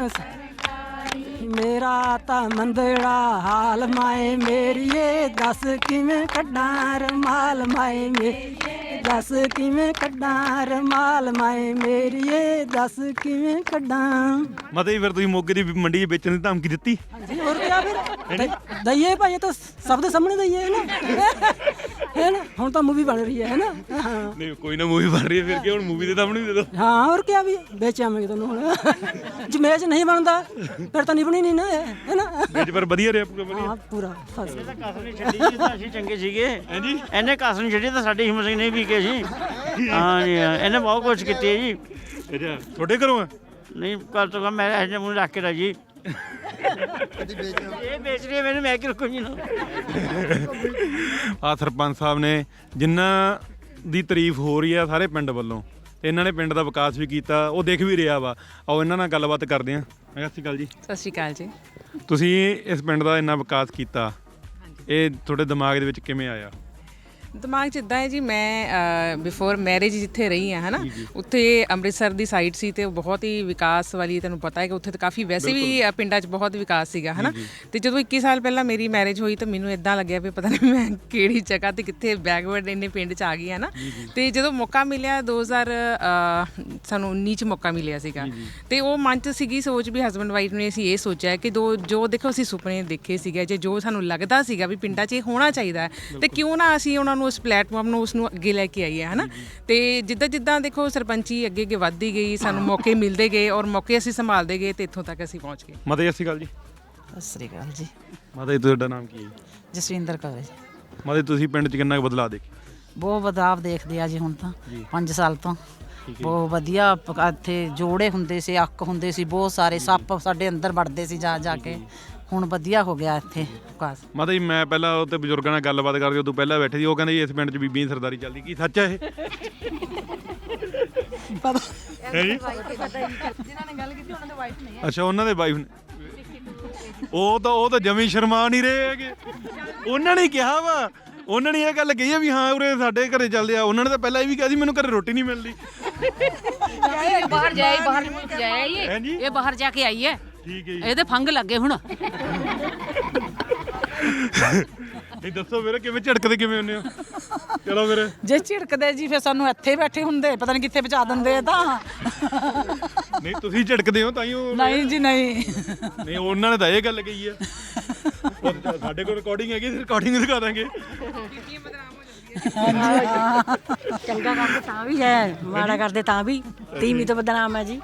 F: ਮੇਰਾ ਤਾਂ ਮੰਦੜਾ ਹਾਲ ਮਾਏ ਮੇਰੀਏ, ਦੱਸ ਕਿਵੇਂ ਕੱਢਾਂ ਰਮਾਲ ਮਾਏ ਮੇਰੀਏ, ਦੱਸ ਕਿਵੇਂ ਕੱਢਾਂ ਰਮਾਲ ਮਾਏ ਮੇਰੀਏ, ਦੱਸ ਕਿਵੇਂ ਕੱਢਾਂ।
A: ਮਤੇ ਫਿਰ ਤੁਸੀਂ ਮੋਗੇ ਦੀ ਮੰਡੀ 'ਚ ਵੇਚਣ ਦੀ ਧਮਕੀ ਦਿੱਤੀ?
F: ਹਾਂਜੀ, ਹੋਰ ਕਿਆ ਫਿਰ ਦਈਏ ਭਾਈ, ਇਹ ਤਾਂ ਸਭ ਦੇ ਸਾਹਮਣੇ ਦਈਏ ਹੈ ਨਾ, ਹੈ ਨਾ। ਹੁਣ ਤਾਂ ਮੂਵੀ ਬਣ ਰਹੀ ਹੈ ਹੈ ਨਾ। ਹਾਂ
A: ਨਹੀਂ ਕੋਈ ਨਾ ਮੂਵੀ ਬਣ ਰਹੀ ਹੈ, ਫਿਰ ਕੀ ਹੁਣ ਮੂਵੀ ਦੇ ਸਾਹਮਣੇ ਵੀ ਦੇ ਦਿਓ।
F: ਹਾਂ ਹੋਰ ਕਿਆ ਵੀ ਵੇਚ ਆਵਾਂਗੇ ਤੁਹਾਨੂੰ ਹੁਣ। ਜਮੇਜ ਨਹੀਂ ਬਣਦਾ ਫਿਰ ਤਾਂ ਨਿਭਣੀ ਨਹੀਂ ਨਾ, ਹੈ ਨਾ।
A: ਵਿੱਚ ਪਰ ਵਧੀਆ ਰਿਹਾ ਪੂਰਾ ਵਧੀਆ।
F: ਹਾਂ ਪੂਰਾ ਫਸ
D: ਕਸ ਨਹੀਂ ਛੱਡੀ ਜੀ ਤਾਂ ਅਸੀਂ ਚੰਗੇ ਸੀਗੇ। ਹਾਂਜੀ ਇਹਨੇ ਕਸ ਨਹੀਂ ਛੱਡੀ ਤਾਂ ਸਾਡੀ ਹਿੰਮਤ ਸਿੰਘ ਨਹੀਂ ਵੀ ਕੇ ਸੀ। ਹਾਂ ਜੀ, ਇਹਨੇ ਬਹੁਤ ਕੁਛ ਕੀਤੀ ਹੈ ਜੀ।
A: ਅੱਛਾ, ਤੁਹਾਡੇ ਘਰੋਂ ਆ?
D: ਨਹੀਂ ਕਰ ਤੋਂ ਮੈਂ ਇਹਨੇ ਮੂੰਹ ਰੱਖ ਕੇ ਰਾਜੀ। ਇਹ ਵੇਚ ਰਹੀ ਹੈ ਮੈਨੂੰ, ਮੈਂ ਕਿ ਰੁਕੂ ਜੀ ਨਾ।
A: ਆ ਸਰਪੰਚ ਸਾਹਿਬ ਨੇ ਜਿਨ੍ਹਾਂ ਦੀ ਤਾਰੀਫ ਹੋ ਰਹੀ ਆ ਸਾਰੇ ਪਿੰਡ ਵੱਲੋਂ, ਤੇ ਇਹਨਾਂ ਨੇ ਪਿੰਡ ਦਾ ਵਿਕਾਸ ਵੀ ਕੀਤਾ, ਉਹ ਦੇਖ ਵੀ ਰਿਹਾ ਵਾ। ਆਓ ਇਹਨਾਂ ਨਾਲ ਗੱਲਬਾਤ ਕਰਦੇ ਹਾਂ। ਸਤਿ ਸ਼੍ਰੀ ਅਕਾਲ ਜੀ।
K: ਸਤਿ ਸ਼੍ਰੀ ਅਕਾਲ ਜੀ।
A: ਤੁਸੀਂ ਇਸ ਪਿੰਡ ਦਾ ਇੰਨਾ ਵਿਕਾਸ ਕੀਤਾ, ਇਹ ਤੁਹਾਡੇ ਦਿਮਾਗ ਦੇ ਵਿੱਚ ਕਿਵੇਂ ਆਇਆ?
K: ਦਿਮਾਗ 'ਚ ਇੱਦਾਂ ਹੈ ਜੀ, ਮੈਂ ਬਿਫੋਰ ਮੈਰਿਜ ਜਿੱਥੇ ਰਹੀ ਹਾਂ ਹੈ ਨਾ, ਉੱਥੇ ਅੰਮ੍ਰਿਤਸਰ ਦੀ ਸਾਈਡ ਸੀ ਤੇ ਉਹ ਬਹੁਤ ਹੀ ਵਿਕਾਸ ਵਾਲੀ, ਤੁਹਾਨੂੰ ਪਤਾ ਹੈ ਕਿ ਉੱਥੇ ਤਾਂ ਕਾਫੀ ਵੈਸੇ ਵੀ ਪਿੰਡਾਂ 'ਚ ਬਹੁਤ ਵਿਕਾਸ ਸੀਗਾ ਹੈ ਨਾ। ਤੇ ਜਦੋਂ ਇੱਕੀ ਸਾਲ ਪਹਿਲਾਂ ਮੇਰੀ ਮੈਰਿਜ ਹੋਈ ਤਾਂ ਮੈਨੂੰ ਇੱਦਾਂ ਲੱਗਿਆ ਵੀ ਪਤਾ ਨਹੀਂ ਮੈਂ ਕਿਹੜੀ ਜਗ੍ਹਾ ਤੇ ਕਿੱਥੇ ਬੈਕਵਰਡ ਇੰਨੇ ਪਿੰਡ 'ਚ ਆ ਗਈ ਹੈ ਨਾ। ਤੇ ਜਦੋਂ ਮੌਕਾ ਮਿਲਿਆ ਦੋ ਹਜ਼ਾਰ ਸਾਨੂੰ ਉੱਨੀ 'ਚ ਮੌਕਾ ਮਿਲਿਆ ਸੀਗਾ, ਤੇ ਉਹ ਮਨ 'ਚ ਸੀਗੀ ਸੋਚ ਵੀ ਹਸਬੈਂਡ ਵਾਈਫ ਨੇ ਅਸੀਂ ਇਹ ਸੋਚਿਆ ਕਿ ਦੋ ਜੋ ਦੇਖੋ ਅਸੀਂ ਸੁਪਨੇ ਦੇਖੇ ਸੀਗੇ, ਜੇ ਜੋ ਸਾਨੂੰ ਲੱਗਦਾ ਸੀਗਾ ਵੀ ਪਿੰਡਾਂ 'ਚ ਇਹ ਹੋਣਾ ਚਾਹੀਦਾ, ਤੇ ਕਿਉਂ ਨਾ ਅਸੀਂ ਉਹਨਾਂ ਨੂੰ ਉਸ ਪਲੇਟਫਾਰਮ ਨੂੰ ਉਸ ਨੂੰ ਅੱਗੇ ਲੈ ਕੇ ਆਈਏ ਹੈ ਨਾ। ਤੇ ਜਿੱਦਾਂ ਜਿੱਦਾਂ ਦੇਖੋ ਸਰਪੰਚੀ ਅੱਗੇ ਅੱਗੇ ਵੱਧਦੀ ਗਈ, ਸਾਨੂੰ ਮੌਕੇ ਮਿਲਦੇ ਗਏ ਔਰ ਮੌਕੇ ਅਸੀਂ ਸੰਭਾਲਦੇ ਗਏ ਤੇ ਇੱਥੋਂ ਤੱਕ ਅਸੀਂ ਪਹੁੰਚ ਗਏ।
A: ਮਾਤਾ ਜੀ ਸਤਿ ਸ਼੍ਰੀ ਅਕਾਲ ਜੀ।
L: ਸਤਿ ਸ਼੍ਰੀ ਅਕਾਲ ਜੀ।
A: ਮਾਤਾ ਜੀ ਤੁਹਾਡਾ ਨਾਮ ਕੀ ਹੈ?
L: ਜਸਵਿੰਦਰ ਕੌਰ ਜੀ।
A: ਮਾਤਾ ਜੀ ਤੁਸੀਂ ਪਿੰਡ 'ਚ ਕਿੰਨਾ ਕੁ ਬਦਲਾਅ ਦੇਖਿਆ?
L: ਬਹੁਤ ਬਦਲਾਵ ਦੇਖਦੇ ਆ ਜੀ ਹੁਣ ਤਾਂ ਪੰਜ ਸਾਲ ਤੋਂ ਬਹੁਤ ਵਧੀਆ ਪ- ਇੱਥੇ ਜੋੜੇ ਹੁੰਦੇ ਸੀ, ਅੱਕ ਹੁੰਦੇ ਸੀ, ਬਹੁਤ ਸਾਰੇ ਸੱਪ ਸਾਡੇ ਅੰਦਰ ਵੜਦੇ ਸੀ ਜਾ ਜਾ ਕੇ। ਹੁਣ ਵਧੀਆ ਹੋ ਗਿਆ ਇੱਥੇ ਵਿਕਾਸ।
A: ਮਾਤਾ ਜੀ ਮੈਂ ਪਹਿਲਾਂ ਉੱਤੇ ਬਜ਼ੁਰਗਾਂ ਨਾਲ ਗੱਲਬਾਤ ਕਰਦੇ ਉਦੋਂ ਪਹਿਲਾਂ ਬੈਠੇ ਸੀ, ਉਹ ਕਹਿੰਦੇ ਜੀ ਇਸ ਪਿੰਡ 'ਚ ਬੀਬੀਆਂ ਦੀ ਸਰਦਾਰੀ ਚੱਲਦੀ, ਕੀ ਸੱਚ ਹੈ ਇਹ?
L: ਪਤਾ
A: ਹੈ ਜੀ?
L: ਜਿਨ੍ਹਾਂ ਨੇ ਗੱਲ ਕੀਤੀ ਉਹਨਾਂ ਦੇ ਵਾਈਫ ਨਹੀਂ ਹੈ।
A: ਅੱਛਾ ਉਹਨਾਂ ਦੇ ਵਾਈਫ ਨੇ, ਉਹ ਤਾਂ ਉਹ ਤਾਂ ਜਮੀ ਸ਼ਰਮਾ ਨਹੀਂ ਰਹੇ ਹੈਗੇ। ਉਹਨਾਂ ਨੇ ਕਿਹਾ ਵਾ, ਉਹਨਾਂ ਨੇ ਇਹ ਗੱਲ ਕਹੀ ਆ ਵੀ ਹਾਂ ਉਰੇ ਸਾਡੇ ਘਰੇ ਚੱਲਦੇ ਆ। ਉਹਨਾਂ ਨੇ ਤਾਂ ਪਹਿਲਾਂ ਇਹ ਵੀ ਕਿਹਾ ਸੀ ਮੈਨੂੰ ਘਰੇ ਰੋਟੀ ਨਹੀਂ ਮਿਲਦੀ।
M: ਬਾਹਰ ਜਾਏ ਬਾਹਰ ਮੁਲਕ ਜਾਏ ਇਹ ਇਹ ਬਾਹਰ ਜਾ ਕੇ ਆਈ ਹੈ।
A: ਠੀਕ ਹੈ ਜੀ।
M: ਇਹਦੇ ਫੰਗ ਲੱਗੇ ਹੁਣ।
A: ਇਹ ਦੱਸੋ ਵੀਰੇ ਕਿਵੇਂ ਝਟਕਦੇ ਕਿਵੇਂ ਹੁੰਦੇ ਹੋ? ਚਲੋ ਫਿਰ
L: ਜੇ ਝਿੜਕਦੇ ਜੀ ਫਿਰ ਸਾਨੂੰ ਇੱਥੇ ਬੈਠੇ ਹੁੰਦੇ, ਪਤਾ ਨਹੀਂ ਕਿੱਥੇ ਪਹੁੰਚਾ ਦਿੰਦੇ ਤਾਂ।
A: ਨਹੀਂ ਤੁਸੀਂ ਝਟਕਦੇ ਹੋ ਤਾਂ ਹੀ ਉਹ
L: ਨਹੀਂ ਜੀ ਨਹੀਂ
A: ਨਹੀਂ ਉਹਨਾਂ ਨੇ ਤਾਂ ਇਹ ਗੱਲ ਕਹੀ ਆ। ਉਹ ਸਾਡੇ ਕੋਲ ਰਿਕਾਰਡਿੰਗ ਹੈਗੀ, ਰਿਕਾਰਡਿੰਗ ਦਿਖਾ ਦਾਂਗੇ।
N: ਚੰਗਾ ਕਰਦੇ ਤਾਂ ਵੀ ਹੈ, ਮਾੜਾ ਕਰਦੇ ਤਾਂ ਵੀ ਤੀਵੀਂ ਤੋਂ ਬਦਨਾਮ ਹੈ ਜੀ।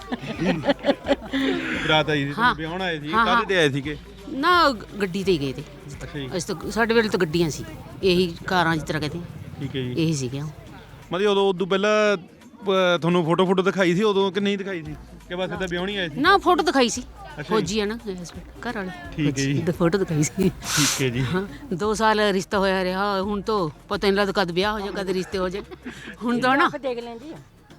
A: ਬਰਾਤ ਆਈ ਸੀ, ਤੁਸੀਂ ਵਿਆਹਣ ਆਏ ਸੀ, ਕਾਹਦੇ ਤੇ ਆਏ ਸੀਗੇ?
M: ਨਾ ਗੱਡੀ ਤੇ ਹੀ ਗਏ ਤੇ।
A: ਅੱਛਾ ਜੀ।
M: ਅਸੀਂ ਤਾਂ ਸਾਡੇ ਵੇਲੇ ਤਾਂ ਗੱਡੀਆਂ ਸੀ, ਇਹੀ ਕਾਰਾਂ ਜਿਸ ਤਰ੍ਹਾਂ ਕਹਿੰਦੇ
A: ਠੀਕ ਹੈ ਜੀ।
M: ਇਹੀ ਸੀਗੀਆਂ।
A: ਮਤਲਬ ਉਦੋਂ ਉਦੋਂ ਪਹਿਲਾਂ ਪ- ਤੁਹਾਨੂੰ ਫੋਟੋ ਫੋਟੋ ਦਿਖਾਈ ਸੀ ਉਦੋਂ ਕਿ ਨਹੀਂ ਦਿਖਾਈ ਸੀ, ਕਿ ਬਸ ਤਾਂ ਵਿਆਹਣੀ ਆਏ ਸੀ?
M: ਨਾ ਫੋਟੋ ਦਿਖਾਈ ਸੀ,
A: ਜੀ।
M: ਫੌਜੀ ਆ ਨਾ husband, ਘਰ ਵਾਲੇ।
A: ਠੀਕ ਹੈ ਜੀ।
M: ਫੋਟੋ ਦਿਖਾਈ ਸੀ।
A: ਠੀਕ ਹੈ ਜੀ।
M: ਹਾਂ ਦੋ ਸਾਲ ਰਿਸ਼ਤਾ ਹੋਇਆ ਰਿਹਾ, ਹੁਣ ਤਾਂ ਪਤਾ ਨਹੀਂ ਲੱਗਦਾ ਕਦ ਵਿਆਹ ਹੋ ਜਾਏ ਕਦ ਰਿਸ਼ਤੇ ਹੋ ਜਾਏ। ਹੁਣ ਤਾਂ ਨਾ
N: ਦੇਖ ਲੈਂ ਜੀ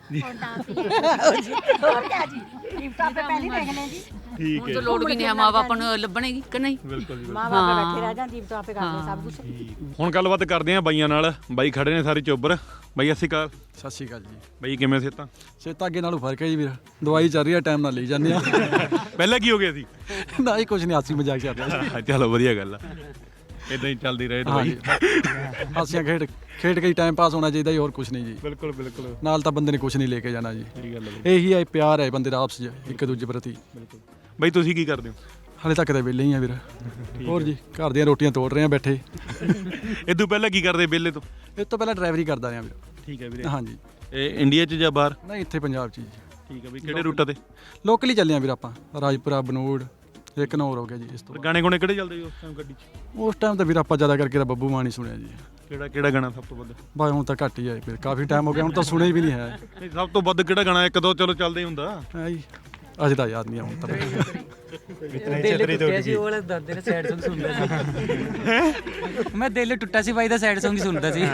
N: ਹੋਰ ਕਿਆ ਜੀ, ਲਿਫਟਾਂ ਤੇ ਪਹਿਲੀ ਦੇਖ ਲੈਂ ਜੀ।
A: ਠੀਕ
M: ਹੁਣ
A: ਹੈ
M: ਤਾਂ ਲੋੜ ਵੀ ਨਹੀਂ ਹੈ, ਮਾਂ ਬਾਪ ਨੂੰ ਲੱਭਣੇਗੀ ਕਿ ਨਹੀਂ?
A: ਬਿਲਕੁਲ ਜੀ।
N: ਮਾਂ ਬਾਪ ਬੈਠੇ ਰਹਿ ਜਾਂ ਲਿਫਟਾਂ ਆਪੇ ਕਰਦੇ ਸਭ ਕੁਝ।
A: ਹੁਣ ਗੱਲਬਾਤ ਕਰਦੇ ਆਂ ਬਾਈਆਂ ਨਾਲ। ਬਾਈ ਖੜੇ ਨੇ ਸਾਰੇ ਚੋਬਰ। ਬਾਈ ਸਤਿ ਸ਼੍ਰੀ ਅਕਾਲ।
O: ਸਤਿ ਸ਼੍ਰੀ ਅਕਾਲ ਜੀ।
A: ਬਾਈ ਕਿਵੇਂ ਸਿਹਤਾਂ?
O: ਸਿਹਤਾਂ ਅੱਗੇ ਨਾਲੋਂ ਫਰਕ ਹੈ ਜੀ ਵੀਰ, ਦਵਾਈ ਚੱਲ ਰਹੀ ਹੈ, ਟਾਈਮ ਨਾਲ ਲਈ ਜਾਂਦੇ ਆ।
A: ਪਹਿਲਾਂ ਕੀ ਹੋ ਗਿਆ ਸੀ?
O: ਨਾ ਹੀ ਕੁਝ ਨਹੀਂ, ਹਾਸੀ ਮਜ਼ਾਕ ਚੱਲ ਰਿਹਾ ਜੀ।
A: ਚਲੋ ਵਧੀਆ ਗੱਲ ਆ, ਇਦਾਂ ਹੀ ਚੱਲਦੀ ਰਹੇ ਦਵਾਈ।
O: ਹਾਸੀਆਂ ਖੇਡ ਖੇਡ ਕੇ ਹੀ ਟਾਈਮ ਪਾਸ ਹੋਣਾ ਚਾਹੀਦਾ ਜੀ, ਹੋਰ ਕੁਝ ਨਹੀਂ ਜੀ।
A: ਬਿਲਕੁਲ ਬਿਲਕੁਲ।
O: ਨਾਲ ਤਾਂ ਬੰਦੇ ਨੇ ਕੁਝ ਨਹੀਂ ਲੈ ਕੇ ਜਾਣਾ ਜੀ।
A: ਸਹੀ ਗੱਲ ਹੈ।
O: ਇਹੀ ਹੈ ਪਿਆਰ ਹੈ ਬੰਦੇ ਦਾ ਆਪਸ ਵਿੱਚ ਇੱਕ ਦੂਜੇ ਪ੍ਰਤੀ।
A: ਬਿਲਕੁਲ। ਬਾਈ ਤੁਸੀਂ ਕੀ ਕਰਦੇ ਹੋ?
O: ਹਾਲੇ ਤੱਕ ਤਾਂ ਵਿਹਲੇ ਹੀ ਆ ਵੀਰ। ਹੋਰ ਜੀ ਘਰ ਦੀਆਂ ਰੋਟੀਆਂ ਤੋੜ ਰਹੇ ਆ ਬੈਠੇ।
A: ਇਹ ਤੋਂ ਪਹਿਲਾਂ ਕੀ ਕਰਦੇ ਵਿਹਲੇ ਤੋਂ?
O: ਇਹ ਤੋਂ ਪਹਿਲਾਂ ਡਰਾਈਵਰੀ ਕਰਦਾ ਰਿਹਾ ਵੀਰ।
A: ਠੀਕ ਹੈ ਵੀਰੇ।
O: ਹਾਂਜੀ।
A: ਇਹ ਇੰਡੀਆ 'ਚ ਜਾਂ ਬਾਹਰ?
O: ਨਹੀਂ ਇੱਥੇ ਪੰਜਾਬ 'ਚ ਜੀ।
A: ਠੀਕ ਹੈ ਬਈ। ਕਿਹੜੇ ਰੂਟਾਂ ਤੇ?
O: ਲੋਕਲੀ ਚੱਲੇ ਆ ਵੀਰ ਆਪਾਂ, ਰਾਜਪੁਰਾ, ਬਨੂੜ, ਇੱਕ ਨੌਰ ਹੋ ਗਿਆ ਜੀ। ਇਸ ਤੋਂ
A: ਗਾਣੇ ਗੁਣੇ ਕਿਹੜੇ ਚੱਲਦੇ ਜੀ ਉਸ ਟਾਈਮ ਗੱਡੀ 'ਚ?
O: ਉਸ ਟਾਈਮ ਤਾਂ ਵੀਰ ਆਪਾਂ ਜ਼ਿਆਦਾ ਕਰਕੇ ਤਾਂ ਬੱਬੂ ਮਾਨ ਹੀ ਸੁਣਿਆ ਜੀ।
A: ਕਿਹੜਾ ਕਿਹੜਾ ਗਾਣਾ ਸਭ ਤੋਂ ਵੱਧ?
O: ਬਾਈ ਹੁਣ ਤਾਂ ਘੱਟ ਹੀ ਆਏ ਫਿਰ, ਕਾਫੀ ਟਾਈਮ ਹੋ ਗਿਆ, ਹੁਣ ਤਾਂ ਸੁਣਿਆ ਵੀ ਨਹੀਂ ਹੈ।
A: ਨਹੀਂ ਸਭ ਤੋਂ ਵੱਧ ਕਿਹੜਾ ਗਾਣਾ? ਇੱਕ ਦੋ ਚਲੋ ਚੱਲਦਾ ਹੀ ਹੁੰਦਾ
O: ਹੈ ਜੀ, ਅਜੇ ਤਾਂ ਯਾਦ ਨਹੀਂ ਆਉਂਦਾ।
G: ਦਿਲ ਟੁੱਟਿਆ ਸੀ, ਉਹ ਵਾਲਾ ਦਾਦੇ ਨੇ ਸੈਡ Song ਸੁਣਦਾ ਸੀ। ਮੈਂ ਦਿਲ ਟੁੱਟਾ ਸੀ ਬਾਈ ਦਾ ਸੈਡ Song ਹੀ ਸੁਣਦਾ ਸੀ।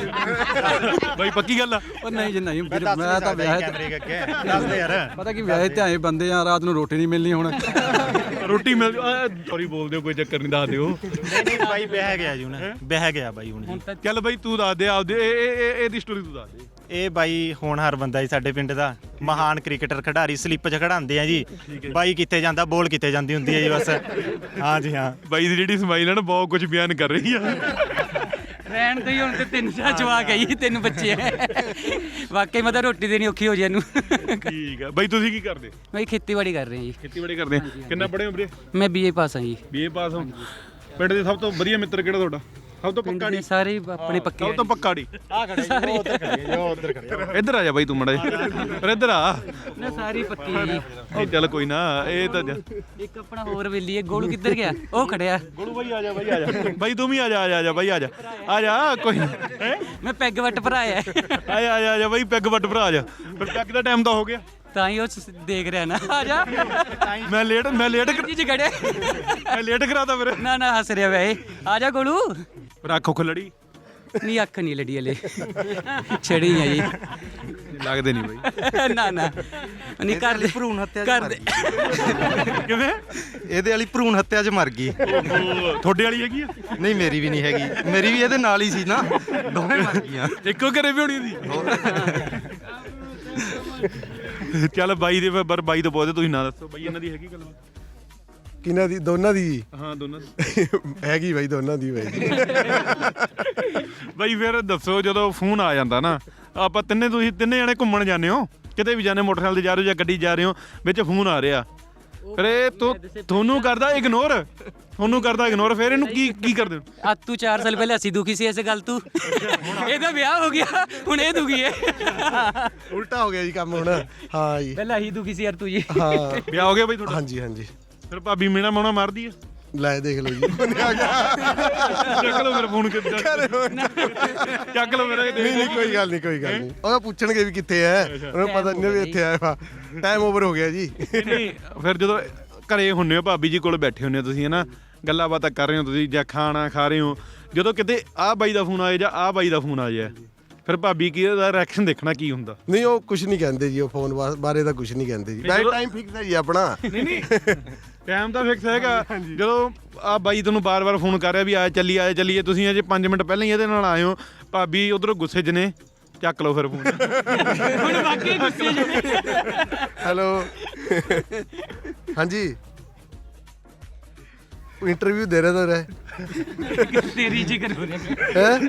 A: ਬਾਈ ਪੱਕੀ ਗੱਲ ਆ?
O: ਉਹ ਨਹੀਂ ਜੀ ਨਹੀਂ ਵੀਰ, ਮੈਂ ਤਾਂ ਵਿਆਹ
E: ਦੱਸਦੇ ਯਾਰ।
O: ਪਤਾ ਕੀ ਵਿਆਹ ਤੇ ਆਏ ਬੰਦੇ ਆ, ਰਾਤ ਨੂੰ ਰੋਟੀ ਨਹੀਂ ਮਿਲਣੀ ਹੁਣ।
A: ਰੋਟੀ ਮਿਲ ਸੌਰੀ ਬੋਲਦੇ ਹੋ, ਕੋਈ ਚੱਕਰ ਨਹੀਂ, ਦੱਸ ਦਿਓ।
P: ਨਹੀਂ ਬਾਈ ਬਹਿ ਗਿਆ ਜੀ ਹੁਣ, ਬਹਿ ਗਿਆ ਬਾਈ ਹੁਣ ਜੀ।
A: ਚੱਲ ਬਾਈ ਤੂੰ ਦੱਸ ਦੇ ਆਪਦੇ, ਇਹ ਇਹ ਇਹਦੀ ਸਟੋਰੀ ਤੂੰ ਦੱਸ ਦੇ।
P: ਇਹ ਬਾਈ ਹੋਣਹਾਰ ਬੰਦਾ ਜੀ ਸਾਡੇ ਪਿੰਡ ਦਾ, ਮਹਾਨ ਕ੍ਰਿਕਟਰ ਖਿਡਾਰੀ, ਸਲਿੱਪ 'ਚ ਖੜਾਉਂਦੇ ਆ ਜੀ। ਬਾਈ ਕਿੱਥੇ ਜਾਂਦਾ ਬੋਲ ਕਿੱਥੇ ਜਾਂਦੀ ਹੁੰਦੀ ਹੈ ਜੀ ਬਸ। ਹਾਂ ਜੀ ਹਾਂ।
A: ਬਾਈ ਦੀ ਜਿਹੜੀ ਸਮਾਈਲ ਹੈ ਨਾ ਬਹੁਤ ਕੁਝ ਬਿਆਨ ਕਰ ਰਹੀ ਆ।
G: ਰਹਿਣ ਤੋਂ ਹੀ ਹੁਣ ਤੇ ਤਿੰਨ ਚਾਰ ਜਵਾਕ ਆਈ, ਤਿੰਨ ਬੱਚੇ ਹੈ। ਵਾਕਈ ਮਤਲਬ ਰੋਟੀ ਦੇਣੀ ਔਖੀ ਹੋ ਜੇ ਇਹਨੂੰ।
A: ਠੀਕ ਆ ਬਾਈ। ਤੁਸੀਂ ਕੀ ਕਰਦੇ?
G: ਬਾਈ ਖੇਤੀਬਾੜੀ ਕਰ ਰਹੇ ਹਾਂ ਜੀ।
A: ਖੇਤੀਬਾੜੀ ਕਰਦੇ ਆ। ਕਿੰਨਾ ਪੜ੍ਹੇ ਹੋ ਵੀਰੇ?
G: ਮੈਂ ਬੀਏ ਪਾਸ ਹਾਂ ਜੀ।
A: ਬੀਏ ਪਾਸ ਹੋ। ਪਿੰਡ ਦੇ ਸਭ ਤੋਂ ਵਧੀਆ ਮਿੱਤਰ ਕਿਹੜਾ ਤੁਹਾਡਾ? ਸਭ ਤੋਂ ਪੱਕਾ ਡੀ?
G: ਸਾਰੇ ਆਪਣੇ ਪੱਕੇ।
A: ਸਭ ਤੋਂ ਪੱਕਾ ਡੀ?
P: ਆ ਖੜੇ ਜੀ, ਉਹ ਉੱਧਰ ਖੜੇ ਜੀ, ਉਹ ਉੱਧਰ ਖੜੇ।
A: ਇੱਧਰ ਆ ਜਾ ਬਾਈ ਤੂੰ ਮੜਾ ਪਰ ਇੱਧਰ ਆ
G: ਨਾ ਸਾਰੀ ਪੱਕੀ ਜੀ।
A: ਨਹੀਂ ਚੱਲ ਕੋਈ ਨਾ, ਇਹ ਤਾਂ
G: ਇੱਕ ਆਪਣਾ ਹੋਰ ਵੇਲੀ ਹੈ, ਗੋਲੂ ਕਿੱਧਰ ਗਿਆ? ਉਹ ਖੜਿਆ।
A: ਗੋਲੂ ਬਾਈ ਆ ਜਾ, ਬਾਈ ਆ ਜਾ, ਬਾਈ ਤੂੰ ਵੀ ਆ ਜਾ, ਆ ਜਾ ਆ ਜਾ ਬਾਈ, ਆ ਜਾ ਆ ਜਾ ਕੋਈ ਹੈ।
G: ਮੈਂ ਪੈਗ ਵੱਟ ਭਰਾਇਆ।
A: ਆ ਜਾ ਆ ਜਾ ਆ ਜਾ ਬਾਈ, ਪੈਗ ਵੱਟ ਭਰਾ ਆ ਜਾ। ਫਿਰ ਪੈਗ ਦਾ ਟਾਈਮ ਤਾਂ ਹੋ ਗਿਆ,
G: ਤਾਂ ਹੀ ਉਹ ਦੇਖ ਰਿਹਾ ਨਾ। ਆ ਜਾ।
A: ਮੈਂ ਲੇਟ ਮੈਂ ਲੇਟ
G: ਜੀ ਖੜਿਆ।
A: ਮੈਂ ਲੇਟ ਕਰਾਤਾ ਫਿਰ।
G: ਨਾ ਨਾ ਹੱਸ ਰਿਹਾ ਵੇ। ਆ ਜਾ ਗੋਲੂ।
A: ਪਰ ਅੱਖ ਉੱਖ ਲੜੀ?
G: ਨਹੀਂ ਅੱਖ ਨਹੀਂ ਲੜੀ ਹਲੇ, ਛੜੀ ਆ ਜੀ।
A: ਲੱਗਦੇ ਨਹੀਂ ਬਾਈ।
G: ਨਾ ਨਾ ਨਹੀਂ ਕਰ ਦੇ
Q: ਭਰੂਣ ਹੱਤਿਆ
G: ਕਰ ਦੇ।
A: ਕਿਵੇਂ?
Q: ਇਹਦੇ ਵਾਲੀ ਭਰੂਣ ਹੱਤਿਆ 'ਚ ਮਰ ਗਈ।
A: ਤੁਹਾਡੇ ਵਾਲੀ ਹੈਗੀ ਆ?
Q: ਨਹੀਂ ਮੇਰੀ ਵੀ ਨਹੀਂ ਹੈਗੀ, ਮੇਰੀ ਵੀ ਇਹਦੇ ਨਾਲ ਹੀ ਸੀ ਨਾ, ਦੋਵੇਂ ਮਰ ਗਈਆਂ।
A: ਇੱਕੋ ਘਰੇ ਵੀ ਹੋਣੀ ਸੀ। ਚੱਲ ਬਾਈ ਦੇ ਪਰ ਬਾਈ ਤੋਂ ਪੁੱਛਦੇ, ਤੁਸੀਂ ਨਾ ਦੱਸੋ ਬਾਈ ਇਹਨਾਂ ਦੀ ਹੈਗੀ ਗੱਲ?
R: ਕਿਹਨਾਂ ਦੀ? ਦੋਨਾਂ ਦੀ?
A: ਹਾਂ ਦੋਨਾਂ ਦੀ
R: ਹੈਗੀ ਬਾਈ, ਦੋਨਾਂ ਦੀ ਬਾਈ।
A: ਬਾਈ ਫਿਰ ਦੱਸੋ, ਜਦੋਂ ਫੋਨ ਆ ਜਾਂਦਾ ਨਾ, ਆਪਾਂ ਤਿੰਨੇ ਤੁਸੀਂ ਤਿੰਨੇ ਜਣੇ ਘੁੰਮਣ ਜਾਂਦੇ ਹੋ, ਕਿਤੇ ਵੀ ਜਾਂਦੇ, ਮੋਟਰਸਾਈਕਲ ਤੇ ਜਾ ਰਹੇ ਹੋ ਜਾਂ ਗੱਡੀ ਜਾ ਰਹੇ ਹੋ, ਵਿੱਚ ਫੋਨ ਆ ਰਿਹਾ, ਫਿਰ ਇਹ ਤੂੰ ਤੁਹਾਨੂੰ ਕਰਦਾ ਇਗਨੋਰ, ਤੁਹਾਨੂੰ ਕਰਦਾ ਇਗਨੋਰ, ਫਿਰ ਇਹਨੂੰ ਕੀ ਕੀ ਕਰਦੇ ਹੋ?
G: ਆ ਤੂੰ ਚਾਰ ਸਾਲ ਪਹਿਲੇ ਅਸੀਂ ਦੁਖੀ ਸੀ ਇਸ ਗੱਲ ਤੂੰ, ਇਹਦਾ ਵਿਆਹ ਹੋ ਗਿਆ ਹੁਣ ਇਹ ਦੁਖੀ ਹੈ।
R: ਉਲਟਾ ਹੋ ਗਿਆ ਜੀ ਕੰਮ ਹੁਣ। ਹਾਂ ਜੀ,
G: ਪਹਿਲਾਂ ਹੀ ਦੁਖੀ ਸੀ ਯਾਰ ਤੂੰ ਜੀ।
R: ਹਾਂ
A: ਵਿਆਹ ਹੋ ਗਿਆ ਬਾਈ ਤੁਹਾਡਾ?
R: ਹਾਂਜੀ ਹਾਂਜੀ।
A: ਫਿਰ ਭਾਬੀ ਮੇਣਾ ਮੋਣਾ ਮਾਰਦੀ ਹੈ?
R: ਲੈ ਦੇਖ ਲਓ ਜੀ ਉਹਨੇ ਆ ਗਿਆ
A: ਚੱਕ ਲਓ ਫਿਰ ਫੋਨ ਕਿੱਦਾਂ ਚੱਕ ਲਓ ਮੇਰੇ
R: ਨਹੀਂ ਨਹੀਂ ਕੋਈ ਗੱਲ ਨਹੀਂ ਕੋਈ ਗੱਲ ਨਹੀਂ ਉਹ ਪੁੱਛਣਗੇ ਵੀ ਕਿੱਥੇ ਐ ਉਹਨਾਂ ਨੂੰ ਪਤਾ ਨਹੀਂ ਵੀ ਇੱਥੇ ਆਇਆ ਵਾ ਟਾਈਮ ਓਵਰ ਹੋ ਗਿਆ ਜੀ
A: ਨਹੀਂ ਫਿਰ ਜਦੋਂ ਘਰੇ ਹੁੰਨੇ ਹੋ ਭਾਬੀ ਜੀ ਕੋਲ ਬੈਠੇ ਹੁੰਨੇ ਹੋ ਤੁਸੀਂ ਹਨਾ ਗੱਲਾਂ ਬਾਤਾਂ ਕਰ ਰਹੇ ਹੋ ਤੁਸੀਂ ਜਾਂ ਖਾਣਾ ਖਾ ਰਹੇ ਹੋ ਜਦੋਂ ਕਿਤੇ ਆਹ ਬਾਈ ਦਾ ਫੋਨ ਆਏ ਜਾਂ ਆਹ ਬਾਈ ਦਾ ਫੋਨ ਆ ਜਾਏ ਫਿਰ ਭਾਬੀ ਕੀ ਦਾ ਰਿਐਕਸ਼ਨ ਦੇਖਣਾ ਕੀ ਹੁੰਦਾ
R: ਨਹੀਂ ਉਹ ਕੁਝ ਨਹੀਂ ਕਹਿੰਦੇ ਜੀ ਉਹ ਫੋਨ ਬਾਰੇ ਤਾਂ ਕੁਝ ਨਹੀਂ ਕਹਿੰਦੇ ਜੀ ਵੈਸੇ ਟਾਈਮ ਫਿਕਸ ਹੈ ਜੀ ਆਪਣਾ
A: ਨਹੀਂ ਨਹੀਂ ਟਾਈਮ ਤਾਂ ਫਿਕਸ ਹੈਗਾ ਜਦੋਂ ਆ ਬਾਈ ਤੁਹਾਨੂੰ ਬਾਰ-ਬਾਰ ਫੋਨ ਕਰ ਰਿਹਾ ਵੀ ਆਏ ਚੱਲੀ ਆਏ ਚੱਲੀਏ ਤੁਸੀਂ ਅਜੇ ਪੰਜ ਮਿੰਟ ਪਹਿਲਾਂ ਹੀ ਇਹਦੇ ਨਾਲ ਆਏ ਹੋ ਭਾਬੀ ਉਧਰੋਂ ਗੁੱਸੇ 'ਚ ਨੇ ਚੱਕ ਲਓ ਫਿਰ ਫੋਨ
G: ਹੁਣ ਬਾਕੀ ਗੁੱਸੇ 'ਚ
R: ਹੈਲੋ ਹਾਂਜੀ ਇੰਟਰਵਿਊ ਦੇ ਰਿਹਾ ਤਾਂ ਰਹਿ
G: ਤੇਰੀ ਜ਼ਿਕਰ ਹੋ ਰਿਹਾ
R: ਹੈ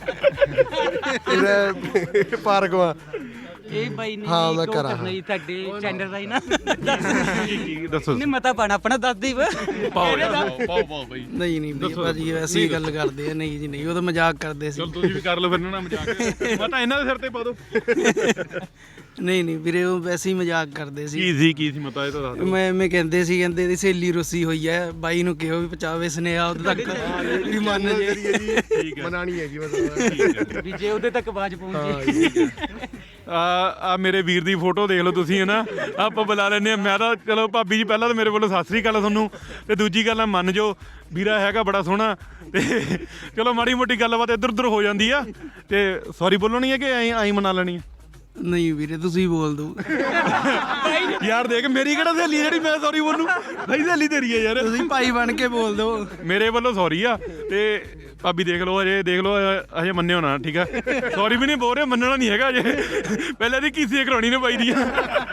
R: ਇਹ ਪਾਰਕ ਵਾ
G: ਇਹ ਬਾਈ ਨੇ
R: ਹਾਂ ਮੈਂ ਕਰਾਂ
G: ਨਹੀਂ ਤੁਹਾਡੇ ਚੈਨਲ ਦਾ ਹੀ ਨਾ
A: ਦੱਸੋ
G: ਨਹੀਂ ਮਤਾ ਪਾਣਾ ਆਪਣਾ ਦੱਸ ਦੇ
A: ਪਾਓ ਪਾਓ ਪਾਓ ਬਾਈ
I: ਨਹੀਂ ਨਹੀਂ ਬਈ ਭਾਜੀ ਐਸੀ ਹੀ ਗੱਲ ਕਰਦੇ ਆ ਨਹੀਂ ਜੀ ਨਹੀਂ ਉਹ ਤਾਂ ਮਜ਼ਾਕ ਕਰਦੇ ਸੀ
A: ਚਲ ਤੁਸੀਂ ਵੀ ਕਰ ਲਓ ਫਿਰ ਨਾ ਮਜ਼ਾਕ ਮੈਂ ਤਾਂ ਇਹਨਾਂ ਦੇ ਸਿਰ ਤੇ ਪਾ ਦੋ
I: ਨਹੀਂ ਨਹੀਂ ਵੀਰੇ ਉਹ ਵੈਸੇ ਹੀ ਮਜ਼ਾਕ ਕਰਦੇ ਸੀ
A: ਕੀ ਸੀ ਕੀ ਸੀ ਮਤਾ ਇਹ ਤਾਂ ਦੱਸ ਦਿਓ
I: ਮੈਂ ਐਵੇਂ ਕਹਿੰਦੇ ਸੀ ਕਹਿੰਦੇ ਇਹਦੀ ਸਹੇਲੀ ਰੁੱਸੀ ਹੋਈ ਹੈ ਬਾਈ ਨੂੰ ਕਿਹੋ ਵੀ ਪਚਾਵੇ ਸੁਨੇਹਾ ਉਦੋਂ ਤੱਕ ਵੀ ਮੰਨ ਜੇ
R: ਠੀਕ ਹੈ ਮਨਾਣੀ ਹੈ ਜੀ ਮਤਲਬ
G: ਵੀ ਜੇ ਉਹਦੇ ਤੱਕ ਆਵਾਜ਼ ਪਹੁੰਚੇ
A: ਆ ਆ ਮੇਰੇ ਵੀਰ ਦੀ ਫੋਟੋ ਦੇਖ ਲਓ ਤੁਸੀਂ ਹਨਾ ਆਪਾਂ ਬੁਲਾ ਲੈਂਦੇ ਆ ਮੈਂ ਤਾਂ ਚਲੋ ਭਾਬੀ ਜੀ ਪਹਿਲਾਂ ਤਾਂ ਮੇਰੇ ਵੱਲੋਂ ਸਤਿ ਸ੍ਰੀ ਅਕਾਲ ਤੁਹਾਨੂੰ ਤੇ ਦੂਜੀ ਗੱਲ ਆ ਮੰਨ ਜਾਓ ਵੀਰਾ ਹੈਗਾ ਬੜਾ ਸੋਹਣਾ ਤੇ ਚਲੋ ਮਾੜੀ ਮੋਟੀ ਗੱਲਬਾਤ ਇੱਧਰ ਉੱਧਰ ਹੋ ਜਾਂਦੀ ਆ ਤੇ ਸੌਰੀ ਬੋਲਣੀ ਹੈ ਕਿ ਐਂ ਐਂ ਮਨਾ ਲੈਣੀ ਆ
I: ਨਹੀਂ ਵੀਰੇ ਤੁਸੀਂ ਬੋਲ ਦੋ
A: ਯਾਰ ਦੇਖ ਮੇਰੀ ਕਿਹੜਾ ਸਹੇਲੀ ਜਿਹੜੀ ਮੈਂ ਸੌਰੀ ਬੋਲੂ ਭਾਈ ਸਹੇਲੀ ਤੇਰੀ ਹੈ ਯਾਰ
I: ਤੁਸੀਂ ਭਾਈ ਬਣ ਕੇ ਬੋਲ ਦਿਓ
A: ਮੇਰੇ ਵੱਲੋਂ ਸੌਰੀ ਆ ਤੇ ਭਾਬੀ ਦੇਖ ਲਓ ਅਜੇ ਦੇਖ ਲਓ ਅਜੇ ਮੰਨਿਓ ਨਾ ਠੀਕ ਆ ਸੌਰੀ ਵੀ ਨਹੀਂ ਬੋਲ ਰਹੇ ਮੰਨਣਾ ਨਹੀਂ ਹੈਗਾ ਅਜੇ ਪਹਿਲਾਂ ਦੀ ਕੀਸੀ ਕਰਾਉਣੀ ਨੇ ਪਾਈ ਦੀਆਂ